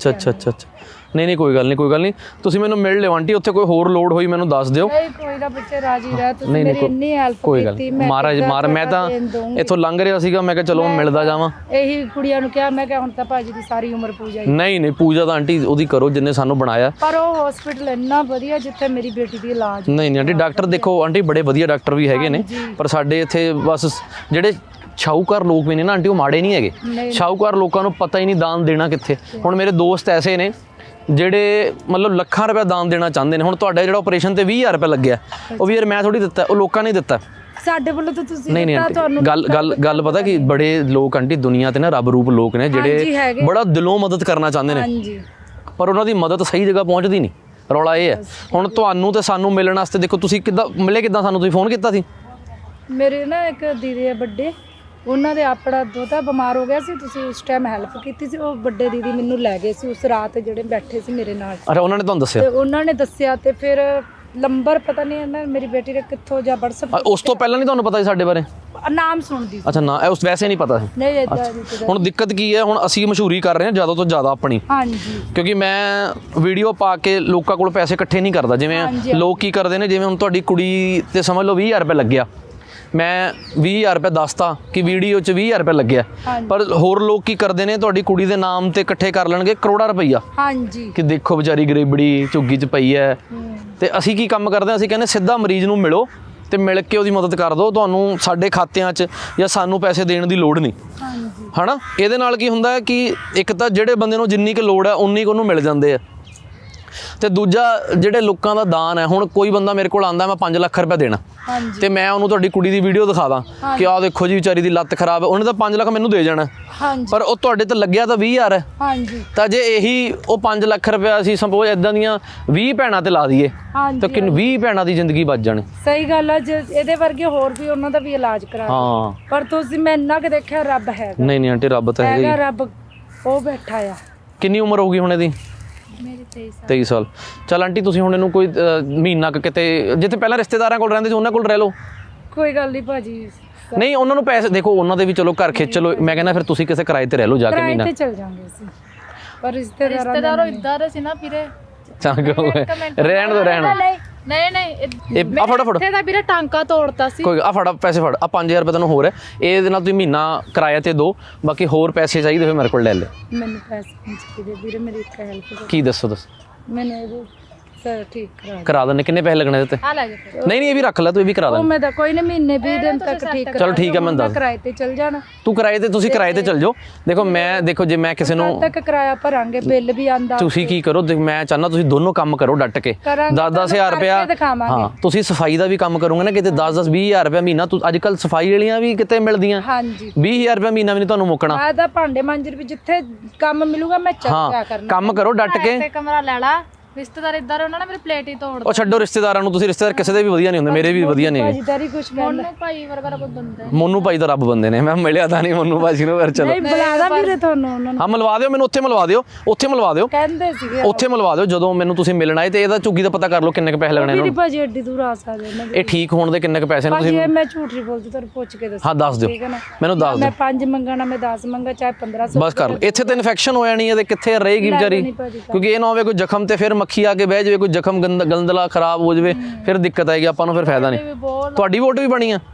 A: ਨਹੀਂ ਕੋਈ ਗੱਲ ਨਹੀਂ ਤੁਸੀਂ ਮੈਨੂੰ ਮਿਲ ਲਿਓ ਆਂਟੀ, ਉੱਥੇ ਕੋਈ ਹੋਰ ਲੋੜ ਹੋਈ ਮੈਨੂੰ ਦੱਸ ਦਿਓ।
C: ਨਹੀਂ ਕੋਈ ਨਾ ਬੱਚੇ, ਰਾਜੀ ਰਹਿ, ਤੁਸੀਂ ਮੇਰੀ ਇੰਨੀ ਹੈਲਪ ਕੀਤੀ।
A: ਮਹਾਰਾਜ ਮੈਂ ਤਾਂ ਇੱਥੋਂ ਲੰਘ ਰਿਹਾ ਸੀਗਾ, ਮੈਂ ਕਿਹਾ ਚਲੋ ਮਿਲਦਾ ਜਾਵਾਂ।
C: ਇਹੀ ਕੁੜੀਆਂ ਨੂੰ ਕਿਹਾ, ਮੈਂ ਕਿਹਾ ਹੁਣ ਤਾਂ ਭਾਜੀ ਦੀ ਸਾਰੀ ਉਮਰ ਪੂਜਾ ਹੀ।
A: ਨਹੀਂ ਪੂਜਾ ਤਾਂ ਆਂਟੀ ਉਹਦੀ ਕਰੋ ਜਿੰਨੇ ਸਾਨੂੰ ਬਣਾਇਆ।
C: ਪਰ ਉਹ ਹਸਪੀਟਲ ਇੰਨਾ ਵਧੀਆ ਜਿੱਥੇ ਮੇਰੀ ਬੇਟੀ ਦੀ ਇਲਾਜ।
A: ਨਹੀਂ ਆਂਟੀ ਡਾਕਟਰ ਦੇਖੋ ਆਂਟੀ ਬੜੇ ਵਧੀਆ ਡਾਕਟਰ ਵੀ ਹੈਗੇ ਨੇ, ਪਰ ਸਾਡੇ ਇੱਥੇ ਬਸ ਜਿਹੜੇ ਸ਼ਾਹੂਕਾਰ ਲੋਕ ਵੀ ਨੇ ਨਾ ਆਂਟੀ, ਉਹ ਮਾੜੇ ਨਹੀਂ ਹੈਗੇ। ਸ਼ਾਹੂਕਾਰ ਲੋਕਾਂ ਨੂੰ ਪਤਾ ਹੀ ਨਹੀਂ ਦਾਨ ਦੇਣਾ ਕਿੱਥੇ। ਹੁਣ ਮੇਰੇ ਦੋਸਤ ਐਸੇ ਨੇ ਜਿਹੜੇ ਮਤਲਬ ਲੱਖਾਂ ਰੁਪਏ ਦਾਨ ਦੇਣਾ ਚਾਹੁੰਦੇ ਨੇ। ਹੁਣ ਤੁਹਾਡਾ ਜਿਹੜਾ ਆਪਰੇਸ਼ਨ ਤੇ 20,000 ਰੁਪਏ ਲੱਗਿਆ, ਉਹ ਵੀ ਯਾਰ ਮੈਂ ਥੋੜੀ ਦਿੱਤਾ, ਉਹ ਲੋਕਾਂ ਨੇ ਦਿੱਤਾ।
C: ਸਾਡੇ ਵੱਲੋਂ ਤਾਂ ਤੁਸੀਂ
A: ਨਹੀਂ ਆਂਟੀ ਗੱਲ ਪਤਾ ਕਿ ਬੜੇ ਲੋਕ ਆਂਟੀ ਦੁਨੀਆ ਤੇ ਨਾ ਰੱਬ ਰੂਪ ਲੋਕ ਨੇ ਜਿਹੜੇ ਬੜਾ ਦਿਲੋਂ ਮਦਦ ਕਰਨਾ ਚਾਹੁੰਦੇ ਨੇ।
C: ਹਾਂਜੀ।
A: ਪਰ ਉਹਨਾਂ ਦੀ ਮਦਦ ਸਹੀ ਜਗ੍ਹਾ ਪਹੁੰਚਦੀ ਨਹੀਂ। ਰੌਲਾ ਇਹ ਹੈ। ਹੁਣ ਤੁਹਾਨੂੰ ਤੇ ਸਾਨੂੰ ਮਿਲਣ ਵਾਸਤੇ ਦੇਖੋ ਤੁਸੀਂ ਕਿੱਦਾਂ ਮਿਲੇ, ਕਿੱਦਾਂ ਸਾਨੂੰ ਤੁਸੀਂ ਫੋਨ ਕੀਤਾ ਸੀ?
C: ਮੇਰੇ ਨਾ ਇੱਕ ਦੀਦੀ ਹੈ ਵੱਡੇ, ਉਹਨਾਂ ਦੇ ਆਪਣਾ ਦੋਤਾ ਬਿਮਾਰ ਹੋ ਗਿਆ ਸੀ, ਤੁਸੀਂ ਉਸ ਟਾਈਮ ਹੈਲਪ ਕੀਤੀ ਸੀ। ਉਹ ਵੱਡੇ ਦੀਦੀ ਮੈਨੂੰ ਲੈ ਗਏ ਸੀ ਉਸ ਰਾਤ, ਜਿਹੜੇ ਬੈਠੇ ਸੀ ਮੇਰੇ ਨਾਲ।
A: ਅੱਛਾ ਉਹਨਾਂ ਨੇ ਤੁਹਾਨੂੰ ਦੱਸਿਆ?
C: ਤੇ ਉਹਨਾਂ ਨੇ ਦੱਸਿਆ ਤੇ ਫਿਰ ਨੰਬਰ ਪਤਾ ਨਹੀਂ ਇਹਨਾਂ ਮੇਰੀ ਬੇਟੀ ਦੇ ਕਿੱਥੋਂ ਜਾਂ WhatsApp।
A: ਉਸ ਤੋਂ ਪਹਿਲਾਂ ਨਹੀਂ ਤੁਹਾਨੂੰ ਪਤਾ ਸੀ ਸਾਡੇ ਬਾਰੇ?
C: ਨਾਮ ਸੁਣਦੀ ਸੀ।
A: ਅੱਛਾ ਨਾ ਉਸ ਵੈਸੇ ਨਹੀਂ ਪਤਾ ਸੀ?
C: ਨਹੀਂ ਇਦਾਂ।
A: ਹੁਣ ਦਿੱਕਤ ਕੀ ਹੈ, ਹੁਣ ਅਸੀਂ ਮਸ਼ਹੂਰੀ ਕਰ ਰਹੇ ਹਾਂ ਜ਼ਿਆਦਾ ਤੋਂ ਜ਼ਿਆਦਾ ਆਪਣੀ।
C: ਹਾਂਜੀ।
A: ਕਿਉਂਕਿ ਮੈਂ ਵੀਡੀਓ ਪਾ ਕੇ ਲੋਕਾਂ ਕੋਲ ਪੈਸੇ ਇਕੱਠੇ ਨਹੀਂ ਕਰਦਾ। ਜਿਵੇਂ ਲੋਕ ਕੀ ਕਰਦੇ ਨੇ, ਜਿਵੇਂ ਹੁਣ ਤੁਹਾਡੀ ਕੁੜੀ ਤੇ ਸਮਝ ਲਓ 20,000 ਰੁਪਏ ਲੱਗਿਆ, ਮੈਂ 20,000 ਰੁਪਏ ਦੱਸਤਾ ਕਿ ਵੀਡੀਓ 'ਚ 20,000 ਰੁਪਏ ਲੱਗਿਆ, ਪਰ ਹੋਰ ਲੋਕ ਕੀ ਕਰਦੇ ਨੇ, ਤੁਹਾਡੀ ਕੁੜੀ ਦੇ ਨਾਮ ਤੇ ਇਕੱਠੇ ਕਰ ਲੈਣਗੇ ਕਰੋੜਾਂ ਰੁਪਈਆ।
C: ਹਾਂਜੀ।
A: ਕਿ ਦੇਖੋ ਵਿਚਾਰੀ ਗਰੀਬੜੀ ਝੁੱਗੀ 'ਚ ਪਈ ਹੈ। ਤੇ ਅਸੀਂ ਕੀ ਕੰਮ ਕਰਦੇ ਹਾਂ, ਅਸੀਂ ਕਹਿੰਦੇ ਸਿੱਧਾ ਮਰੀਜ਼ ਨੂੰ ਮਿਲੋ ਤੇ ਮਿਲ ਕੇ ਉਹਦੀ ਮਦਦ ਕਰ ਦਿਓ, ਤੁਹਾਨੂੰ ਸਾਡੇ ਖਾਤਿਆਂ 'ਚ ਜਾਂ ਸਾਨੂੰ ਪੈਸੇ ਦੇਣ ਦੀ ਲੋੜ ਨਹੀਂ। ਹਨਾ ਇਹਦੇ ਨਾਲ ਕੀ ਹੁੰਦਾ ਹੈ ਕਿ ਇੱਕ ਤਾਂ ਜਿਹੜੇ ਬੰਦੇ ਨੂੰ ਜਿੰਨੀ ਕੁ ਲੋੜ ਹੈ ਉਨੀ ਕੁ ਉਹਨੂੰ ਮਿਲ ਜਾਂਦੇ ਆ, ਤੇ ਦੂਜਾ ਜਿਹੜੇ ਲੋਕਾਂ ਦਾ ਦਾਨ ਹੈ। ਹੁਣ ਕੋਈ ਬੰਦਾ ਮੇਰੇ ਕੋਲ ਆਂਦਾ ਮੈਂ 5 ਲੱਖ ਰੁਪਏ ਦੇਣਾ, ਤੇ ਮੈਂ ਉਹਨੂੰ ਤੁਹਾਡੀ ਕੁੜੀ ਦੀ ਵੀਡੀਓ ਦਿਖਾ ਦਾਂ ਕਿ ਆਹ ਦੇਖੋ ਜੀ ਵਿਚਾਰੀ ਦੀ ਲੱਤ ਖਰਾਬ ਹੈ, ਉਹਨੇ ਤਾਂ 5 ਲੱਖ ਮੈਨੂੰ ਦੇ ਜਾਣਾ, ਪਰ ਉਹ ਤੁਹਾਡੇ ਤੇ ਲੱਗਿਆ ਤਾਂ 20,000 ਹੈ। ਤਾਂ ਜੇ ਇਹੀ ਉਹ 5 ਲੱਖ ਰੁਪਏ ਅਸੀਂ ਸਪੋਜ਼ ਇਦਾਂ ਦੀਆਂ 20 ਭੈਣਾਂ ਤੇ ਲਾ ਦਈਏ ਤਾਂ ਕਿੰਨ 20 ਭੈਣਾਂ ਦੀ ਜ਼ਿੰਦਗੀ ਬਚ ਜਾਣੀ।
C: ਸਹੀ ਗੱਲ ਹੈ। ਜੇ ਇਹਦੇ ਵਰਗੇ ਹੋਰ ਵੀ ਉਹਨਾਂ ਦਾ ਵੀ ਇਲਾਜ ਕਰਾ।
A: ਹਾਂ
C: ਪਰ ਤੁਸੀਂ ਮੈਂ ਇੰਨਾ ਕਿ ਦੇਖਿਆ ਰੱਬ ਹੈਗਾ।
A: ਨਹੀਂ ਆਂਟੀ ਰੱਬ ਤਾਂ ਹੈਗਾ ਹੀ।
C: ਰੱਬ ਉਹ ਬੈਠਾ ਆ।
A: ਕਿੰਨੀ ਉਮਰ ਹੋਊਗੀ ਹੁਣ ਇਹਦੀ?
B: ਮੇਰੀ
A: 23 ਸਾਲ। ਚਲ ਆਂਟੀ ਤੁਸੀਂ ਹੁਣ ਇਹਨੂੰ ਕੋਈ ਮਹੀਨਾ ਕਿਤੇ ਜਿੱਥੇ ਪਹਿਲਾਂ ਰਿਸ਼ਤੇਦਾਰਾਂ ਕੋਲ ਰਹਿੰਦੇ ਸੀ ਉਹਨਾਂ ਕੋਲ ਰਹਿ ਲਓ।
C: ਕੋਈ ਗੱਲ ਨਹੀਂ ਭਾਜੀ।
A: ਨਹੀਂ ਉਹਨਾਂ ਨੂੰ ਪੈਸੇ ਦੇਖੋ, ਉਹਨਾਂ ਦੇ ਵੀ ਚਲੋ ਘਰ ਖਿੱਚ ਲਓ। ਮੈਂ ਕਹਿੰਦਾ ਫਿਰ ਤੁਸੀਂ ਕਿਸੇ ਕਿਰਾਏ ਤੇ ਰਹਿ ਲਓ ਜਾ ਕੇ ਮਹੀਨਾ।
C: ਕਿਰਾਏ ਤੇ ਚਲ ਜਾਾਂਗੇ ਅਸੀਂ, ਪਰ
B: ਰਿਸ਼ਤੇਦਾਰੋਂ ਇੱਦਾਂ ਦੇ ਸੀ ਨਾ ਵੀਰੇ।
A: ਰਹਿਣ ਦੋ
B: ਨਹੀਂ
A: ਇਹ ਆ ਫਟਾਫਟ
B: ਇੱਥੇ ਦਾ ਵੀਰੇ ਟਾਂਕਾ ਤੋੜਤਾ ਸੀ।
A: ਕੋਈ ਆ ਫੜਾ ਪੈਸੇ ਫੜ ਆ 5000 ਰੁਪਏ ਤੈਨੂੰ ਹੋਰ ਹੈ, ਇਹਦੇ ਨਾਲ ਤੁਸੀਂ ਮਹੀਨਾ ਕਿਰਾਇਆ ਤੇ ਦੋ, ਬਾਕੀ ਹੋਰ ਪੈਸੇ ਚਾਹੀਦੇ ਹੋਏ ਮੇਰੇ ਕੋਲ ਲੈ ਲੈ।
C: ਮੈਨੂੰ ਪੈਸੇ ਨਹੀਂ ਚਾਹੀਦੇ ਵੀਰੇ, ਮੇਰੀ ਇੱਕ ਹੈਲਪ
A: ਕੀ ਦੱਸੋ
C: ਮੈਨੂੰ ਇਹ ਸਰ ਠੀਕ
A: ਕਰਾ ਦਿੰਦੇ। ਕਿੰਨੇ ਪੈਸੇ ਲੱਗਣੇ ਇਹਦੇ ਤੇ?
B: ਆ ਲੈ ਜਾ ਫਿਰ।
A: ਨਹੀਂ ਇਹ ਵੀ ਰੱਖ ਲੈ, ਤੂੰ ਇਹ ਵੀ ਕਰਾ
C: ਉਹ
A: ਦੇ।
C: ਮੈਂ ਤਾਂ ਕੋਈ ਨਹੀਂ ਮਹੀਨੇ 20 ਦਿਨ ਤੱਕ ਠੀਕ
A: ਚਲੋ ਠੀਕ ਹੈ, ਮੈਂ ਦੱਸ
C: ਕਿਰਾਏ ਤੇ ਚਲ ਜਾਣਾ।
A: ਤੂੰ ਕਿਰਾਏ ਤੇ, ਤੁਸੀਂ ਕਿਰਾਏ ਤੇ ਚੱਲ ਜਾਓ। ਦੇਖੋ ਜੇ ਮੈਂ ਕਿਸੇ ਨੂੰ
C: ਤੱਕ ਕਿਰਾਇਆ ਭਰਾਂਗੇ, ਬਿੱਲ ਵੀ ਆਂਦਾ।
A: ਤੁਸੀਂ ਕੀ ਕਰੋ, ਮੈਂ ਚਾਹੁੰਦਾ ਤੁਸੀਂ ਦੋਨੋਂ ਕੰਮ ਕਰੋ ਡਟ ਕੇ। 10-10,000 ਰੁਪਇਆ ਹਾਂ, ਤੁਸੀਂ ਸਫਾਈ ਦਾ ਵੀ ਕੰਮ ਕਰੋਗੇ ਨਾ ਕਿਤੇ 10-20,000 ਰੁਪਇਆ ਮਹੀਨਾ। ਅੱਜ ਕੱਲ ਸਫਾਈ ਵਾਲੀਆਂ ਵੀ ਕਿਤੇ ਮਿਲਦੀਆਂ,
C: ਹਾਂਜੀ
A: 20,000 ਰੁਪਇਆ ਮਹੀਨਾ ਵੀ ਨਹੀਂ ਤੁਹਾਨੂੰ ਮੁੱਕਣਾ।
C: ਮੈਂ ਤਾਂ ਭਾਂਡੇ ਮਾਂਜਰ ਵੀ ਜਿੱਥੇ ਕੰਮ ਮਿਲੂਗਾ ਮੈਂ ਚੱਕਿਆ ਕਰਨਾ।
A: ਕੰਮ ਕਰੋ ਡਟ ਕੇ।
B: ਤੇ ਕਮਰਾ ਲੈ ਲਾ, ਰਿਸ਼ਤੇਦਾਰ ਇੱਧਰ ਉਹਨਾਂ ਨੇ ਮੇਰੀ ਪਲੇਟ ਹੀ ਤੋੜ
A: ਉਹ ਛੱਡੋ ਰਿਸ਼ਤੇਦਾਰਾਂ ਨੂੰ, ਤੁਸੀਂ ਰਿਸ਼ਤੇਦਾਰ ਕਿਸੇ ਦੇ ਵੀ ਵਧੀਆ ਨਹੀਂ ਹੁੰਦੇ, ਮੇਰੇ ਵੀ ਵਧੀਆ ਨਹੀਂ ਹੈਗੇ।
C: ਭਾਜੀਦਾਰੀ ਕੁਛ ਕਹਿੰਦਾ
B: ਉਹਨੂੰ ਭਾਈ ਵਰਗਾ ਕੋਈ ਬੰਦਾ ਹੈ।
A: ਮੋਨੂ ਭਾਈ ਤਾਂ ਰੱਬ ਬੰਦੇ ਨੇ, ਮੈਂ ਮਿਲਿਆ ਤਾਂ ਨਹੀਂ ਮੋਨੂ ਭਾਜੀ ਨੂੰ, ਫਿਰ ਚਲੋ
C: ਨਹੀਂ ਬੁਲਾਦਾ ਵੀਰੇ ਤੁਹਾਨੂੰ ਉਹਨਾਂ ਨੂੰ।
A: ਹਾਂ ਮਿਲਵਾ ਦਿਓ ਮੈਨੂੰ, ਉੱਥੇ ਮਿਲਵਾ ਦਿਓ
C: ਕਹਿੰਦੇ ਸੀਗੇ
A: ਉੱਥੇ ਮਿਲਵਾ ਦਿਓ ਜਦੋਂ ਮੈਨੂੰ ਤੁਸੀਂ ਮਿਲਣਾ ਹੈ। ਤੇ ਇਹਦਾ ਝੁੱਗੀ ਦਾ ਪਤਾ ਕਰ ਲਓ ਕਿੰਨੇ ਕੁ ਪੈਸੇ ਲੱਗਣੇ
C: ਵੀਰੇ
A: ਇਹਨੂੰ।
C: ਭਾਜੀ ਐਡੀ ਦੂਰ ਆ ਸਕਦੇ ਨੇ।
A: ਇਹ ਠੀਕ ਹੋਣ ਦੇ ਕਿੰਨੇ ਕੁ ਪੈਸੇ ਨੇ
C: ਭਾਜੀ
A: ਤੁਸੀਂ?
C: ਇਹ ਮੈਂ ਝੂਠ ਨਹੀਂ ਬੋਲਦੀ, ਤੁਹਾਨੂੰ ਪੁੱਛ ਕੇ ਦੱਸੋ।
A: ਹਾਂ ਦੱਸ ਦਿਓ,
C: ਠੀਕ ਹੈ ਨਾ,
A: ਮੈਨੂੰ ਦੱਸ
C: ਮੈਂ
A: ਦਿਓ
C: 5 ਮੰਗਣਾ, ਮੈਂ 10 ਮੰਗਾ, ਚਾਹੇ 1500।
A: ਬਸ ਕਰ ਲਓ। ਇੱਥੇ ਤਾਂ ਇਨਫੈਕਸ਼ਨ ਹੋ ਜਾਣੀ ਹੈ ਤੇ ਕਿੱਥੇ ਰਹੇਗੀ ਵਿਚਾਰੀ, ਕਿਉਂਕਿ ਇਹ ਨਾ ਹੋਵੇ ਕੋਈ ਜ਼ਖਮ ਤੇ ਫਿਰ ਮੱਖੀ ਆ ਕੇ ਬਹਿ ਜਾਵੇ, ਕੋਈ ਜ਼ਖਮ ਗੰਦਲਾ ਖਰਾਬ ਹੋ ਜਾਵੇ, ਫਿਰ ਦਿੱਕਤ ਆਏਗੀ ਆਪਾਂ ਨੂੰ, ਫਿਰ ਫਾਇਦਾ ਨਹੀਂ। ਤੁਹਾਡੀ ਵੋਟ ਵੀ ਬਣੀ ਆ?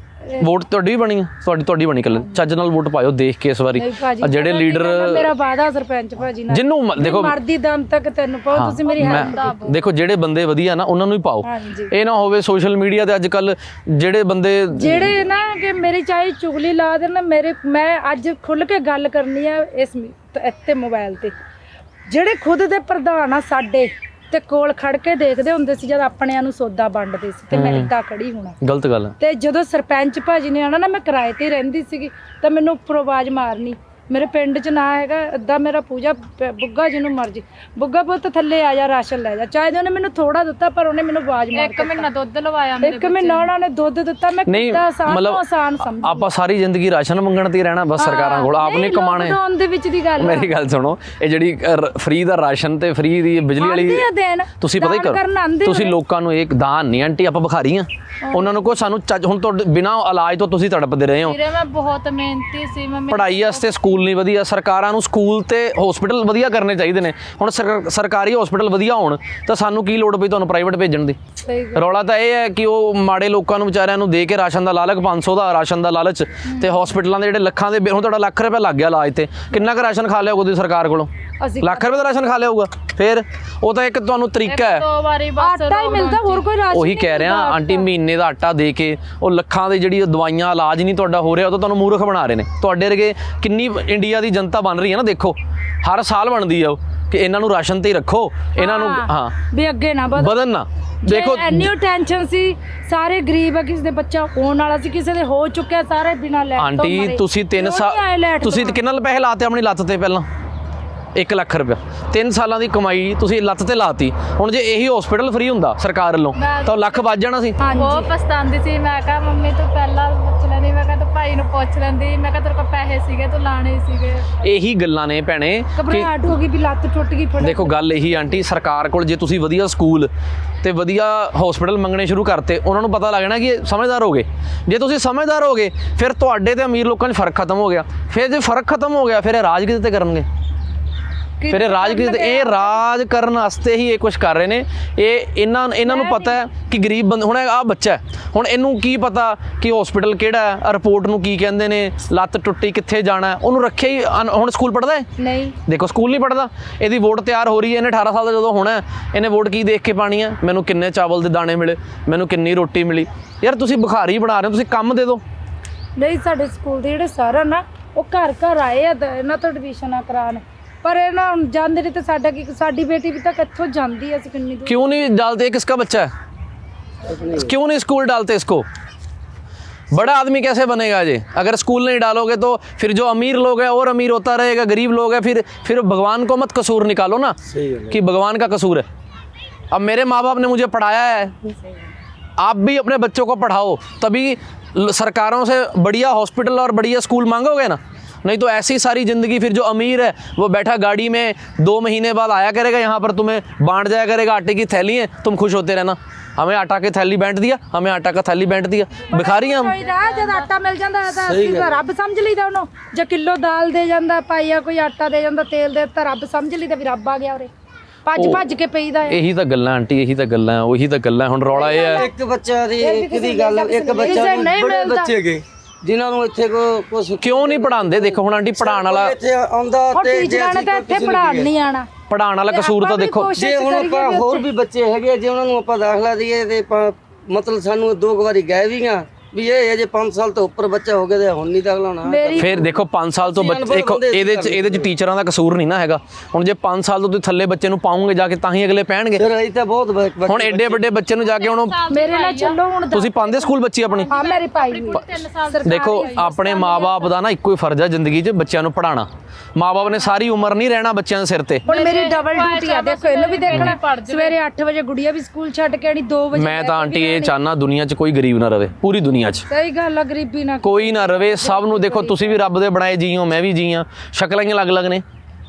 A: ਵੋਟ ਤੁਹਾਡੀ ਵੀ ਬਣੀ ਆ? ਤੁਹਾਡੀ ਬਣੀ ਕੱਲ। ਚੱਜ ਨਾਲ ਵੋਟ ਪਾਇਓ ਦੇਖ ਕੇ ਇਸ ਵਾਰੀ। ਜਿਹੜੇ ਲੀਡਰ,
C: ਮੇਰਾ ਵਾਦਾ ਸਰਪੰਚ ਭਾਜੀ ਨਾਲ,
A: ਜਿੰਨੂੰ ਦੇਖੋ
C: ਮਰਦੀ ਦਮ ਤੱਕ ਤੈਨੂੰ ਪਾਓ, ਤੁਸੀਂ ਮੇਰੀ ਹੈਲਪ
A: ਦੇਖੋ ਜਿਹੜੇ ਬੰਦੇ ਵਧੀਆ ਨਾ ਉਹਨਾਂ ਨੂੰ ਹੀ ਪਾਓ। ਇਹ ਨਾ ਹੋਵੇ ਸੋਸ਼ਲ ਮੀਡੀਆ ਤੇ ਅੱਜ ਕੱਲ ਜਿਹੜੇ ਬੰਦੇ
C: ਜਿਹੜੇ ਨਾ ਕਿ ਮੇਰੀ ਚਾਹੀ ਚੁਗਲੀ ਲਾ ਦੇਣ, ਮੈਂ ਅੱਜ ਖੁੱਲ ਕੇ ਗੱਲ ਕਰਨੀ ਆ ਇਸ ਇੱਥੇ ਮੋਬਾਈਲ ਤੇ। ਜਿਹੜੇ ਖੁਦ ਦੇ ਪ੍ਰਧਾਨ ਆ ਸਾਡੇ ਤੇ ਕੋਲ ਖੜ ਕੇ ਦੇਖਦੇ ਹੁੰਦੇ ਸੀ ਜਦ ਆਪਣਿਆਂ ਨੂੰ ਸੌਦਾ ਵੰਡਦੇ ਸੀ, ਤੇ ਮੈਂ ਇੱਦਾਂ ਖੜੀ ਹੋਣਾ
A: ਗਲਤ ਗੱਲ ਹੈ।
C: ਤੇ ਜਦੋਂ ਸਰਪੰਚ ਭਾਜੀ ਨੇ ਆਣਾ ਨਾ, ਮੈਂ ਕਿਰਾਏ ਤੇ ਰਹਿੰਦੀ ਸੀਗੀ, ਤਾਂ ਮੈਨੂੰ ਉੱਪਰੋਂ ਆਵਾਜ਼ ਮਾਰਨੀ। ਮੇਰੇ ਪਿੰਡ 'ਚ ਨਾ ਹੈਗਾ ਅੱਧਾ ਮੇਰਾ ਪੂਜਾ ਬੁੱਗਾ, ਜਿਹਨੂੰ ਮਰਜੀ ਬੁੱਗਾ ਪੁੱਤ ਥੱਲੇ ਆ ਜਾ, ਰਾਸ਼ਨ ਲੈ ਜਾ। ਚਾਹੇ ਉਹਨੇ ਮੈਨੂੰ ਥੋੜਾ ਦਿੱਤਾ, ਪਰ ਉਹਨੇ ਮੈਨੂੰ ਆਵਾਜ਼ ਮਾਰ
B: ਇੱਕ ਮਹੀਨਾ ਦੁੱਧ ਲਵਾਇਆ ਮੇਰੇ।
C: 1 ਮਹੀਨਾ ਉਹਨਾਂ ਨੇ ਦੁੱਧ ਦਿੱਤਾ। ਮੈਂ ਕਿੱਦਾਂ ਆਸਾਨ ਸਮਝ।
A: ਆਪਾਂ ਸਾਰੀ ਜ਼ਿੰਦਗੀ ਰਾਸ਼ਨ ਮੰਗਣ ਤੇ ਹੀ ਰਹਿਣਾ ਬਸ ਸਰਕਾਰਾਂ ਕੋਲ, ਆਪ ਨੇ ਕਮਾਣੇ।
C: ਲੋਕਡਾਊਨ ਦੇ ਵਿੱਚ ਦੀ ਗੱਲ,
A: ਮੇਰੀ ਗੱਲ ਸੁਣੋ, ਇਹ ਜਿਹੜੀ ਫ੍ਰੀ ਦਾ ਰਾਸ਼ਨ ਤੇ ਫ੍ਰੀ ਦੀ ਬਿਜਲੀ ਵਾਲੀ ਤੁਸੀਂ ਪਤਾ ਹੀ ਕਰੋ, ਤੁਸੀਂ ਲੋਕਾਂ ਨੂੰ ਇੱਕ ਦਾਨ ਨਹੀਂ ਆਂਟੀ, ਆਪਾਂ ਭਿਖਾਰੀ ਆ। ਉਹਨਾਂ ਨੂੰ ਕੋ ਸਾਨੂੰ ਹੁਣ ਤੁਹਾਡੇ ਬਿਨਾਂ ਇਲਾਜ ਤੋਂ ਤੁਸੀਂ ਤੜਪਦੇ ਰਹੇ ਹੋ।
B: ਵੀਰੇ ਮੈਂ ਬਹੁਤ ਮਿਹਨਤੀ ਸੀ, ਮੈਂ
A: ਪੜ੍ਹਾਈ ਵਾਸਤੇ ਸਕੂਲ ਨਹੀਂ ਵਧੀਆ, ਸਰਕਾਰਾਂ ਨੂੰ ਸਕੂਲ ਤੇ ਹਸਪੀਟਲ ਵਧੀਆ ਕਰਨੇ ਚਾਹੀਦੇ ਨੇ। ਹੁਣ ਸਰਕਾਰੀ ਹਸਪੀਟਲ ਵਧੀਆ ਹੋਣ ਤਾਂ ਸਾਨੂੰ ਕੀ ਲੋੜ ਪਈ ਤੁਹਾਨੂੰ ਪ੍ਰਾਈਵੇਟ ਭੇਜਣ ਦੀ। ਰੌਲਾ ਤਾਂ ਇਹ ਹੈ ਕਿ ਉਹ ਮਾੜੇ ਲੋਕਾਂ ਨੂੰ ਵਿਚਾਰਿਆਂ ਨੂੰ ਦੇ ਕੇ ਰਾਸ਼ਨ ਦਾ ਲਾਲਚ, 500 ਦਾ ਰਾਸ਼ਨ ਦਾ ਲਾਲਚ, ਤੇ ਹਸਪੀਟਲਾਂ ਦੇ ਜਿਹੜੇ ਲੱਖਾਂ ਦੇ ਹੁਣ ਤੁਹਾਡਾ ਲੱਖ ਰੁਪਏ ਲੱਗ ਗਿਆ ਇਲਾਜ ਤੇ, ਕਿੰਨਾ ਕੁ ਰਾਸ਼ਨ ਖਾ ਲਿਆ ਉਹਦੀ ਸਰਕਾਰ ਕੋਲੋਂ? ਲੱਖ ਰੁਪਏ ਦਾ ਰਾਸ਼ਨ ਖਾ ਲਿਆ ਹੋਊਗਾ। ਫਿਰ ਉਹ ਤਾਂ ਇੱਕ ਤੁਹਾਨੂੰ ਤਰੀਕਾ ਹੈ,
B: 2 ਵਾਰੀ ਬਸ
C: ਆਟਾ ਹੀ ਮਿਲਦਾ, ਹੋਰ ਕੋਈ ਰਾਸ਼ਨ।
A: ਉਹੀ ਕਹਿ ਰਿਹਾ ਆਂਟੀ, ਮਹੀਨੇ ਦਾ ਆਟਾ ਦੇ ਕੇ ਉਹ ਲੱਖਾਂ ਦੀ ਜਿਹੜੀ ਦਵਾਈਆਂ ਇਲਾਜ ਨਹੀਂ ਤੁਹਾਡਾ ਹੋ ਰਿਹਾ, ਉਹ ਤਾਂ ਤੁਹਾਨੂੰ ਮੂਰਖ ਬਣਾ ਰਹੇ ਨੇ। ਤੁਹਾਡੇ ਵਰਗੇ ਕਿੰਨੀ ਇੰਡੀਆ ਦੀ ਜਨਤਾ ਬਣ ਰਹੀ ਹੈ ਨਾ, ਦੇਖੋ ਹਰ ਸਾਲ ਬਣਦੀ ਆ ਉਹ, ਕਿ ਇਹਨਾਂ ਨੂੰ ਰਾਸ਼ਨ ਤੇ ਹੀ ਰੱਖੋ, ਇਹਨਾਂ ਨੂੰ ਹਾਂ
C: ਵੀ ਅੱਗੇ ਨਾ
A: ਵਧਣ ਨਾ। ਦੇਖੋ
C: ਇੰਨੀ ਟੈਨਸ਼ਨ ਸੀ, ਸਾਰੇ ਗਰੀਬ ਆ, ਕਿਸੇ ਦੇ ਬੱਚਾ ਹੋਣ ਵਾਲਾ ਸੀ, ਕਿਸੇ ਦੇ ਹੋ ਚੁੱਕਿਆ, ਸਾਰੇ ਬਿਨਾਂ ਲੈਟ ਤੋਂ
A: ਆਂਟੀ ਤੁਸੀਂ 3 ਸਾਲ ਤੁਸੀਂ ਕਿੰਨਾ ਪੈਸੇ ਲਾਤੇ ਆਪਣੀ ਲੱਤ ਤੇ? ਪਹਿਲਾਂ 1 ਲੱਖ ਰੁਪਇਆ 3 ਸਾਲਾਂ ਦੀ ਕਮਾਈ ਤੁਸੀਂ ਲੱਤ ਤੇ ਲਾਤੀ। ਹੁਣ ਜੇ ਇਹੀ ਹਸਪੀਟਲ ਫ੍ਰੀ ਹੁੰਦਾ ਸਰਕਾਰ ਵੱਲੋਂ ਤਾਂ ਲੱਖ ਵੱਜ ਜਾਣਾ ਸੀ।
B: ਬਹੁਤ ਪਛਤਾਉਂਦੀ ਸੀ। ਮੈਂ ਕਿਹਾ ਮੰਮੀ ਤੂੰ ਪਹਿਲਾਂ ਪੁੱਛ ਲੈਂਦੀ, ਮੈਂ ਕਿਹਾ ਤੂੰ ਭਾਈ ਨੂੰ ਪੁੱਛ ਲੈਂਦੀ, ਮੈਂ ਕਿਹਾ ਤੇਰੇ ਕੋਲ ਪੈਸੇ ਸੀਗੇ ਤੂੰ ਲਾਣੇ ਸੀਗੇ।
A: ਇਹੀ ਗੱਲਾਂ ਨੇ ਭੈਣੇ,
C: ਘਬਰਾਹਟ ਹੋ ਗਈ ਵੀ ਲੱਤ ਟੁੱਟ ਗਈ।
A: ਦੇਖੋ ਗੱਲ ਇਹੀ ਆਂਟੀ, ਸਰਕਾਰ ਕੋਲ ਜੇ ਤੁਸੀਂ ਵਧੀਆ ਸਕੂਲ ਤੇ ਵਧੀਆ ਹਸਪੀਟਲ ਮੰਗਣੇ ਸ਼ੁਰੂ ਕਰਤੇ, ਉਹਨਾਂ ਨੂੰ ਪਤਾ ਲੱਗਣਾ ਕਿ ਸਮਝਦਾਰ ਹੋ ਗਏ। ਜੇ ਤੁਸੀਂ ਸਮਝਦਾਰ ਹੋ ਗਏ, ਫਿਰ ਤੁਹਾਡੇ ਤੇ ਅਮੀਰ ਲੋਕਾਂ 'ਚ ਫਰਕ ਖਤਮ ਹੋ ਗਿਆ। ਫਿਰ ਜੇ ਫਰਕ ਖਤਮ ਹੋ ਗਿਆ, ਫਿਰ ਇਹ ਰਾਜ ਕਿਤੇ ਤੇ ਕਰਨਗੇ। ਫਿਰ ਇਹ ਰਾਜ ਕਰਨ ਵਾਸਤੇ ਹੀ ਇਹ ਕੁਝ ਕਰ ਰਹੇ ਨੇ। ਇਹਨਾਂ ਨੂੰ ਪਤਾ ਹੈ ਕਿ ਗਰੀਬ ਬੰਦੇ, ਹੁਣ ਆਹ ਬੱਚਾ ਹੁਣ ਇਹਨੂੰ ਕੀ ਪਤਾ ਕਿ ਹਸਪੀਟਲ ਕਿਹੜਾ ਹੈ, ਰਿਪੋਰਟ ਨੂੰ ਕੀ ਕਹਿੰਦੇ ਨੇ, ਲੱਤ ਟੁੱਟੀ ਕਿੱਥੇ ਜਾਣਾ, ਉਹਨੂੰ ਰੱਖਿਆ ਹੀ। ਹੁਣ ਸਕੂਲ ਪੜ੍ਹਦਾ ਹੈ? ਨਹੀਂ, ਦੇਖੋ ਸਕੂਲ ਨਹੀਂ ਪੜ੍ਹਦਾ। ਇਹਦੀ ਵੋਟ ਤਿਆਰ ਹੋ ਰਹੀ ਹੈ, ਇਹਨੇ 18 ਸਾਲ ਦਾ ਜਦੋਂ ਹੋਣਾ, ਇਹਨੇ ਵੋਟ ਕੀ ਦੇਖ ਕੇ ਪਾਣੀ ਹੈ? ਮੈਨੂੰ ਕਿੰਨੇ ਚਾਵਲ ਦੇ ਦਾਣੇ ਮਿਲੇ, ਮੈਨੂੰ ਕਿੰਨੀ ਰੋਟੀ ਮਿਲੀ। ਯਾਰ ਤੁਸੀਂ ਭਿਖਾਰੀ ਬਣਾ ਰਹੇ ਹੋ, ਤੁਸੀਂ ਕੰਮ ਦੇ ਦਿਓ।
C: ਨਹੀਂ, ਸਾਡੇ ਸਕੂਲ ਦੇ ਜਿਹੜੇ ਸਰ ਨਾ, ਉਹ ਘਰ ਘਰ ਆਏ ਆ ਇਹਨਾਂ ਤੋਂ ਐਡਮਿਸ਼ਨਾਂ ਕਰਾਉਣ, पर है ना जानते नहीं तो साडा की साडी बेटी भी तक इत्थों जांदी है। कितनी दूर
A: क्यों नहीं डालते? किसका बच्चा है? क्यों नहीं स्कूल डालते इसको? बड़ा आदमी कैसे बनेगा जी अगर स्कूल नहीं डालोगे? तो फिर जो अमीर लोग हैं और अमीर होता रहेगा, गरीब लोग हैं, फिर भगवान को मत कसूर निकालो ना कि भगवान का कसूर है। अब मेरे माँ बाप ने मुझे पढ़ाया है, आप भी अपने बच्चों को पढ़ाओ, तभी सरकारों से बढ़िया हॉस्पिटल और बढ़िया स्कूल मांगोगे ना। नहीं तो ऐसी सारी ज़िंदगी फिर जो अमीर है वो बैठा गाड़ी में 2 महीने बाद आया करेगा, यहाँ पर तुम्हें बांट जाया करेगा आटे की थैली है, तुम खुश होते रहना हमें आटा की थैली बांट दिया, हमें आटा का थैली बांट दिया। भिखारी हम
C: जब आटा मिल जाता है तो रब समझ लीदा उन्होंने, जो किलो दाल दे जाता, पाइया कोई आटा दे जाता, तेल दे दिता, रब समझ लीदा भी रब आ गया। ਭੱਜ ਕੇ ਪਈਦਾ ਹੈ।
A: ਇਹੀ ਤਾਂ ਗੱਲਾਂ ਆਂਟੀ, ਇਹੀ ਤਾਂ ਗੱਲਾਂ, ਉਹੀ ਤਾਂ ਗੱਲਾਂ। ਹੁਣ ਰੌਲਾ ਇਹ ਹੈ
E: ਇੱਕ ਬੱਚਾ ਦੀ ਇੱਕ ਦੀ ਗੱਲ, ਇੱਕ ਬੱਚਾ ਨੂੰ ਬੜੇ ਬੱਚੇ ਹੈਗੇ ਜਿਨ੍ਹਾਂ ਨੂੰ ਇੱਥੇ ਕੁਝ
A: ਕਿਉਂ ਨਹੀਂ ਪੜਾਉਂਦੇ? ਦੇਖੋ ਹੁਣ ਆਂਟੀ ਪੜਾਉਣ ਵਾਲਾ
E: ਇੱਥੇ ਆਉਂਦਾ ਤੇ ਜੇ
C: ਟੀਚਰਾਂ ਨੇ ਤਾਂ ਇੱਥੇ ਪੜਾਉਣ ਨਹੀਂ ਆਣਾ।
A: ਪੜਾਉਣ ਵਾਲਾ ਕਸੂਰ ਤਾਂ ਦੇਖੋ,
E: ਜੇ ਹੁਣ ਆਪਾਂ ਹੋਰ ਵੀ ਬੱਚੇ ਹੈਗੇ ਜੇ ਉਹਨਾਂ ਨੂੰ ਆਪਾਂ ਦਾਖਲਾ ਦਈਏ ਤੇ ਮਤਲਬ ਸਾਨੂੰ 2 ਵਾਰੀ ਗਏ ਵੀ ਆ ਵੀ ਇਹ ਅਜੇ 5 ਸਾਲ ਤੋਂ ਉੱਪਰ ਬੱਚਾ ਹੋ ਗਿਆ ਤੇ ਹੁਣ ਨਹੀਂ ਦਾਖਲਾ ਹੋਣਾ।
A: ਫਿਰ ਦੇਖੋ 5 ਸਾਲ ਤੋਂ ਬੱਚੇ ਦੇਖੋ ਇਹਦੇ ਚ ਟੀਚਰਾਂ ਦਾ ਕਸੂਰ ਨਹੀਂ ਨਾ ਹੈਗਾ। ਹੁਣ ਜੇ 5 ਸਾਲ ਤੋਂ ਤੁਸੀਂ ਥੱਲੇ ਬੱਚੇ ਨੂੰ ਪਾਉਂਗੇ ਜਾ ਕੇ ਤਾਂ ਹੀ ਅਗਲੇ ਪੈਣਗੇ।
E: ਫਿਰ ਅਸੀਂ ਤਾਂ ਬਹੁਤ
A: ਹੁਣ ਐਡੇ ਵੱਡੇ ਬੱਚੇ ਨੂੰ ਜਾ ਕੇ ਹੁਣ
C: ਮੇਰੇ ਨਾਲ ਚੱਲੋ ਹੁਣ
A: ਤੁਸੀਂ ਪਾਉਂਦੇ ਸਕੂਲ ਬੱਚੀ ਆਪਣੀ?
C: ਹਾਂ ਮੇਰੀ ਪਾਈ ਹੋਈ।
B: 3 ਸਾਲ
A: ਦੇਖੋ ਆਪਣੇ ਮਾਪੇ ਦਾ ਨਾ ਇੱਕੋ ਹੀ ਫਰਜ਼ ਹੈ ਜ਼ਿੰਦਗੀ 'ਚ ਬੱਚਿਆਂ ਨੂੰ ਪੜਾਉਣਾ। ਮਾਪੇ ਨੇ ਸਾਰੀ ਉਮਰ ਨਹੀਂ ਰਹਿਣਾ ਬੱਚਿਆਂ ਦੇ ਸਿਰ ਤੇ।
C: ਹੁਣ ਮੇਰੀ ਡਬਲ ਡਿਊਟੀ ਆ, ਦੇਖੋ ਇਹਨੂੰ ਵੀ ਦੇਖਣਾ। ਸਵੇਰੇ 8 ਵਜੇ ਗੁੜੀਆ ਵੀ ਸਕੂਲ ਛੱਡ ਕੇ ਆਣੀ, 2 ਵਜੇ
A: ਮੈਂ ਤਾਂ ਆਂਟੀ ਇਹ ਚਾਹਨਾ ਦੁਨੀਆ 'ਚ ਕੋਈ ਗਰੀਬ ਨਾ ਰਵੇ, ਪੂਰੀ ਦੁਨੀਆ 'ਚ
C: ਸਹੀ ਗੱਲ ਆ, ਗਰੀਬੀ ਨਾ
A: ਕੋਈ ਨਾ ਰਵੇ। ਸਭ ਨੂੰ ਦੇਖੋ, ਤੁਸੀਂ ਵੀ ਰੱਬ ਦੇ ਬਣਾਏ ਜੀ ਹੋ, ਮੈਂ ਵੀ ਜੀ ਹਾਂ, ਸ਼ਕਲਾਂ ਹੀ ਅਲੱਗ-ਅਲੱਗ ਨੇ।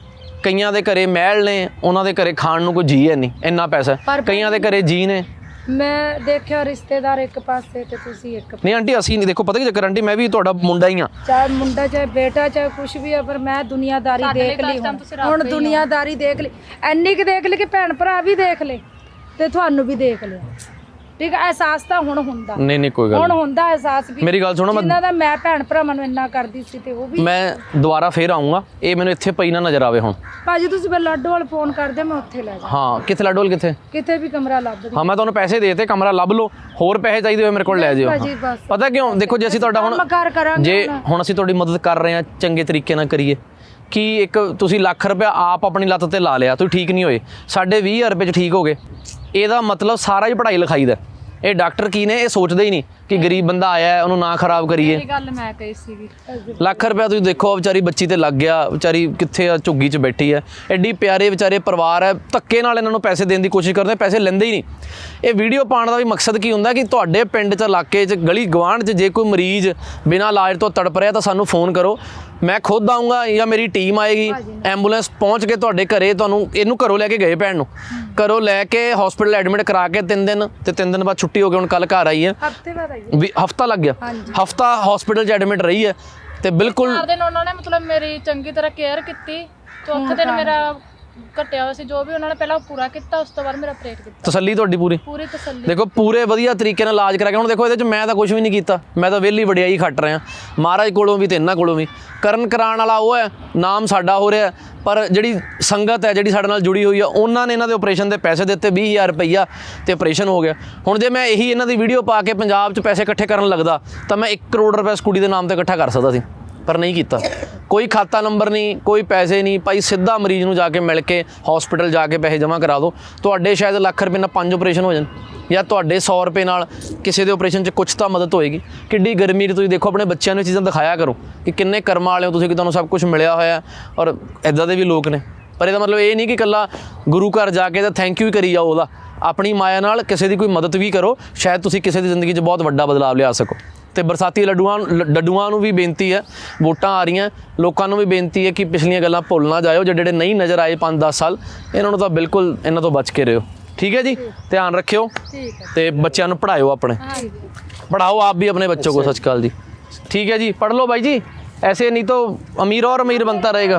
A: ਕਈਆਂ ਦੇ ਘਰੇ ਮਹਿਲ ਨੇ, ਉਹਨਾਂ ਦੇ ਘਰੇ ਖਾਣ ਨੂੰ ਕੋਈ ਜੀ ਹੈ ਨਹੀਂ, ਇੰਨਾ ਪੈਸਾ। ਕਈਆਂ ਦੇ ਘਰੇ ਜੀ ਨੇ।
C: ਮੈਂ ਦੇਖਿਆ ਰਿਸ਼ਤੇਦਾਰ ਇੱਕ ਪਾਸੇ ਤੇ ਤੁਸੀਂ ਇੱਕ ਪਾਸੇ।
A: ਨਹੀਂ ਆਂਟੀ ਅਸੀਂ ਨਹੀਂ, ਦੇਖੋ ਪਤਾ ਕੀ ਚੱਕਰ ਆਂਟੀ, ਮੈਂ ਵੀ ਤੁਹਾਡਾ ਮੁੰਡਾ ਹੀ ਆ,
C: ਚਾਹੇ ਮੁੰਡਾ ਚਾਹੇ ਬੇਟਾ ਚਾਹੇ ਕੁਛ ਵੀ ਆ, ਪਰ ਮੈਂ ਦੁਨੀਆਦਾਰੀ ਦੇਖ ਲਈ ਹੁਣ ਦੁਨੀਆਦਾਰੀ ਦੇਖ ਲਈ, ਐਨੀ ਕਿ ਦੇਖ ਲਈ ਕਿ ਭੈਣ ਭਰਾ ਵੀ ਦੇਖ ਲੈ ਤੇ ਤੁਹਾਨੂੰ ਵੀ ਦੇਖ ਲਿਆ। ਠੀਕ ਹੈ, ਅਹਿਸਾਸ ਤਾਂ ਹੁਣ ਹੁੰਦਾ।
A: ਨਹੀਂ ਕੋਈ ਗੱਲ
C: ਹੁਣ ਹੁੰਦਾ ਅਹਿਸਾਸ ਵੀ।
A: ਮੇਰੀ ਗੱਲ ਸੁਣੋ,
C: ਜਿਨ੍ਹਾਂ ਦਾ ਮੈਂ ਭੈਣ ਭਰਾਵਾਂ ਨੂੰ ਇੰਨਾ ਕਰਦੀ ਸੀ ਤੇ ਉਹ ਵੀ।
A: ਮੈਂ ਦੁਬਾਰਾ ਫੇਰ ਆਉਂਗਾ, ਇਹ ਮੈਨੂੰ ਇੱਥੇ ਪਈ ਨਾ ਨਜ਼ਰ ਆਵੇ ਹੁਣ।
C: ਭਾਜੀ ਤੁਸੀਂ ਫਿਰ ਲਾਡੋਵਾਲ ਫੋਨ ਕਰਦੇ, ਮੈਂ ਉੱਥੇ ਲੈ ਜਾ।
A: ਹਾਂ ਕਿੱਥੇ ਲਾਡੋਲ ਕਿੱਥੇ?
C: ਕਿਤੇ ਵੀ ਕਮਰਾ ਲੱਭ ਦੇ।
A: ਹਾਂ ਮੈਂ ਤੁਹਾਨੂੰ ਪੈਸੇ ਦੇਤੇ, ਕਮਰਾ ਲੱਭ ਲਓ, ਹੋਰ ਪੈਸੇ ਚਾਹੀਦੇ ਹੋਏ ਮੇਰੇ ਕੋਲ ਲੈ ਜਿਓ।
C: ਭਾਜੀ ਬਸ
A: ਪਤਾ ਕਿਉਂ? ਦੇਖੋ ਜੇ ਅਸੀਂ ਤੁਹਾਡਾ ਹੁਣ ਜੇ ਹੁਣ ਅਸੀਂ ਤੁਹਾਡੀ ਮਦਦ ਕਰ ਰਹੇ ਹਾਂ, ਚੰਗੇ ਤਰੀਕੇ ਨਾਲ ਕਰੀਏ। ਕਿ ਇੱਕ ਤੁਸੀਂ ਲੱਖ ਰੁਪਇਆ ਆਪ ਆਪਣੀ ਲੱਤ ਤੇ ਲਾ ਲਿਆ, ਤੁਸੀਂ ਠੀਕ ਨਹੀਂ ਹੋਏ, ਸਾਡੇ 20,000 ਰੁਪਏ 'ਚ ਠੀਕ ਹੋ ਗਏ, ਇਹਦਾ ਮਤਲਬ ਸਾਰਾ ਹੀ ਪੜ੍ਹਾਈ ਲਿਖਾਈ ਦਾ। ਇਹ ਡਾਕਟਰ ਕੀ ਨੇ, ਇਹ ਸੋਚਦੇ ਹੀ ਨਹੀਂ ਕਿ ਗਰੀਬ ਬੰਦਾ ਆਇਆ ਹੈ ਉਹਨੂੰ ਨਾ ਖਰਾਬ ਕਰੀਏ।
B: ਇਹ ਗੱਲ ਮੈਂ ਕਹੀ ਸੀਗੀ।
A: ਲੱਖ ਰੁਪਇਆ ਤੁਸੀਂ ਦੇਖੋ ਵਿਚਾਰੀ ਬੱਚੀ ਤੇ ਲੱਗ ਗਿਆ, ਵਿਚਾਰੀ ਕਿੱਥੇ ਆ, ਝੁੱਗੀ 'ਚ ਬੈਠੀ ਹੈ। ਐਡੀ ਪਿਆਰੇ ਵਿਚਾਰੇ ਪਰਿਵਾਰ ਹੈ, ਧੱਕੇ ਨਾਲ ਇਹਨਾਂ ਨੂੰ ਪੈਸੇ ਦੇਣ ਦੀ ਕੋਸ਼ਿਸ਼ ਕਰਦੇ, ਪੈਸੇ ਲੈਂਦੇ ਹੀ ਨਹੀਂ। ਇਹ ਵੀਡੀਓ ਪਾਉਣ ਦਾ ਵੀ ਮਕਸਦ ਕੀ ਹੁੰਦਾ ਕਿ ਤੁਹਾਡੇ ਪਿੰਡ 'ਚ, ਇਲਾਕੇ 'ਚ, ਗਲੀ ਗਵਾਂਢ 'ਚ ਜੇ ਕੋਈ ਮਰੀਜ਼ ਬਿਨਾਂ ਇਲਾਜ ਤੋਂ ਤੜਪ ਰਿਹਾ ਤਾਂ ਸਾਨੂੰ ਫੋਨ ਕਰੋ, ਮੈਂ ਖੁਦ ਆਊਂਗਾ ਜਾਂ ਮੇਰੀ ਟੀਮ ਆਏਗੀ, ਐਂਬੂਲੈਂਸ ਪਹੁੰਚ ਕੇ ਤੁਹਾਡੇ ਘਰੇ ਤੁਹਾਨੂੰ ਇਹਨੂੰ ਘਰੋਂ ਲੈ ਕੇ ਗਏ, ਭੈਣ ਨੂੰ ਘਰੋਂ ਲੈ ਕੇ ਹਸਪੀਟਲ ਐਡਮਿਟ ਕਰਾ ਕੇ 3 ਦਿਨ ਤੇ 3 ਦਿਨ ਬਾਅਦ ਛੁੱਟੀ ਹੋ ਗਈ। ਹੁਣ ਕੱਲ ਘਰ ਆਈ ਹੈ,
C: ਹਫਤੇ ਬਾਅਦ ਆਈ
A: ਵੀ ਹਫਤਾ ਲੱਗ ਗਿਆ, ਹਫਤਾ ਹਸਪੀਟਲ 'ਚ ਐਡਮਿਟ ਰਹੀ ਹੈ ਤੇ ਬਿਲਕੁਲ
B: 4 ਦਿਨ ਉਹਨਾਂ ਨੇ ਮਤਲਬ ਮੇਰੀ ਚੰਗੀ ਤਰ੍ਹਾਂ ਕੇਅਰ ਕੀਤੀ। ਚੌਥੇ ਦਿਨ ਮੇਰਾ ਘਟਿਆ ਹੋਇਆ ਸੀ, ਜੋ ਵੀ ਉਹਨਾਂ ਨੇ ਪਹਿਲਾਂ ਪੂਰਾ ਕੀਤਾ, ਉਸ ਤੋਂ ਬਾਅਦ ਮੇਰਾ ਆਪਰੇਟ ਕੀਤਾ।
A: ਤਸੱਲੀ ਤੁਹਾਡੀ ਪੂਰੀ
B: ਤਸੱਲੀ।
A: ਦੇਖੋ ਪੂਰੇ ਵਧੀਆ ਤਰੀਕੇ ਨਾਲ ਇਲਾਜ ਕਰਾ ਕੇ। ਹੁਣ ਦੇਖੋ ਇਹਦੇ 'ਚ ਮੈਂ ਤਾਂ ਕੁਝ ਵੀ ਨਹੀਂ ਕੀਤਾ, ਮੈਂ ਤਾਂ ਵਿਹਲੀ ਵਡਿਆਈ ਖੱਟ ਰਿਹਾ, ਮਹਾਰਾਜ ਕੋਲੋਂ ਵੀ ਤੇ ਇਹਨਾਂ ਕੋਲੋਂ ਵੀ। ਕਰਨ ਕਰਾਉਣ ਵਾਲਾ ਉਹ ਹੈ, ਨਾਮ ਸਾਡਾ ਹੋ ਰਿਹਾ, ਪਰ ਜਿਹੜੀ ਸੰਗਤ ਹੈ ਜਿਹੜੀ ਸਾਡੇ ਨਾਲ ਜੁੜੀ ਹੋਈ ਆ, ਉਹਨਾਂ ਨੇ ਇਹਨਾਂ ਦੇ ਆਪਰੇਸ਼ਨ ਦੇ ਪੈਸੇ ਦਿੱਤੇ, 20,000 ਰੁਪਈਆ ਤੇ ਆਪਰੇਸ਼ਨ ਹੋ ਗਿਆ। ਹੁਣ ਜੇ ਮੈਂ ਇਹੀ ਇਹਨਾਂ ਦੀ ਵੀਡੀਓ ਪਾ ਕੇ ਪੰਜਾਬ 'ਚ ਪੈਸੇ ਇਕੱਠੇ ਕਰਨ ਲੱਗਦਾ ਤਾਂ ਮੈਂ 1 ਕਰੋੜ ਰੁਪਏ ਇਸ ਕੁੜੀ ਦੇ ਨਾਮ ਤੇ ਇਕੱਠਾ ਕਰ ਸਕਦਾ ਸੀ, ਪਰ ਨਹੀਂ ਕੀਤਾ। ਕੋਈ ਖਾਤਾ ਨੰਬਰ ਨਹੀਂ, ਕੋਈ ਪੈਸੇ ਨਹੀਂ ਭਾਈ, ਸਿੱਧਾ ਮਰੀਜ਼ ਨੂੰ ਜਾ ਕੇ ਮਿਲ ਕੇ ਹਸਪੀਟਲ ਜਾ ਕੇ ਪੈਸੇ ਜਮ੍ਹਾਂ ਕਰਾ ਦਿਓ। ਤੁਹਾਡੇ ਸ਼ਾਇਦ ਲੱਖ ਰੁਪਏ ਨਾਲ 5 ਆਪਰੇਸ਼ਨ ਹੋ ਜਾਣ, ਜਾਂ ਤੁਹਾਡੇ 100 ਰੁਪਏ ਨਾਲ ਕਿਸੇ ਦੇ ਆਪਰੇਸ਼ਨ 'ਚ ਕੁਛ ਤਾਂ ਮਦਦ ਹੋਏਗੀ। ਕਿੱਡੀ ਗਰਮੀ 'ਚ ਤੁਸੀਂ ਦੇਖੋ, ਆਪਣੇ ਬੱਚਿਆਂ ਨੂੰ ਇਹ ਚੀਜ਼ਾਂ ਦਿਖਾਇਆ ਕਰੋ ਕਿ ਕਿੰਨੇ ਕਰਮਾਂ ਵਾਲੇ ਹੋ ਤੁਸੀਂ ਕਿ ਤੁਹਾਨੂੰ ਸਭ ਕੁਝ ਮਿਲਿਆ ਹੋਇਆ, ਔਰ ਇੱਦਾਂ ਦੇ ਵੀ ਲੋਕ ਨੇ। ਪਰ ਇਹਦਾ ਮਤਲਬ ਇਹ ਨਹੀਂ ਕਿ ਇਕੱਲਾ ਗੁਰੂ ਘਰ ਜਾ ਕੇ ਤਾਂ ਥੈਂਕ ਯੂ ਹੀ ਕਰੀ ਜਾਓ ਉਹਦਾ, ਆਪਣੀ ਮਾਇਆ ਨਾਲ ਕਿਸੇ ਦੀ ਕੋਈ ਮਦਦ ਵੀ ਕਰੋ, ਸ਼ਾਇਦ ਤੁਸੀਂ ਕਿਸੇ ਦੀ ਜ਼ਿੰਦਗੀ 'ਚ ਬਹੁਤ ਵੱਡਾ ਬਦਲਾਵ ਲਿਆ ਸਕੋ। ਤੇ ਬਰਸਾਤੀ ਡੱਡੂਆਂ ਨੂੰ ਵੀ ਬੇਨਤੀ ਹੈ, ਵੋਟਾਂ ਆ ਰਹੀਆਂ, ਲੋਕਾਂ ਨੂੰ ਵੀ ਬੇਨਤੀ ਹੈ ਕਿ ਪਿਛਲੀਆਂ ਗੱਲਾਂ ਭੁੱਲ ਨਾ ਜਾਇਓ। ਜਿਹੜੇ ਨਹੀਂ ਨਜ਼ਰ ਆਏ 5-10 ਸਾਲ, ਇਹਨਾਂ ਨੂੰ ਤਾਂ ਬਿਲਕੁਲ ਇਹਨਾਂ ਤੋਂ ਬਚ ਕੇ ਰਹੋ। ਠੀਕ है जी, ध्यान रखियो ते बच्चों को पढ़ाओ, अपने पढ़ाओ आप भी अपने बच्चों को। सच काल जी, ठीक है जी, पढ़ लो भाई जी, ऐसे नहीं तो अमीर और अमीर बनता रहेगा।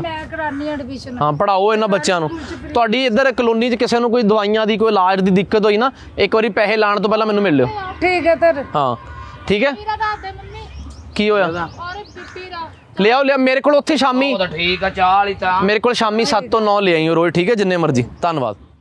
A: हाँ पढ़ाओ इन्होंने बच्चों को। तुहाडी इधर कलोनी च किसी को कोई दवाइयां दी, कोई इलाज की दिक्कत हुई ना, एक बार पैसे लाने तो पहले मैनूं मिल लियो।
C: ठीक है सर।
A: हाँ ठीक है, की होया ले आओ, ले मेरे को उत्थे शामी,
E: ठीक है, चाल ही
A: मेरे को शामी 7 ਤੋਂ 9 ले आई रोज। ठीक है, जिन्ने मर्जी। धन्यवाद।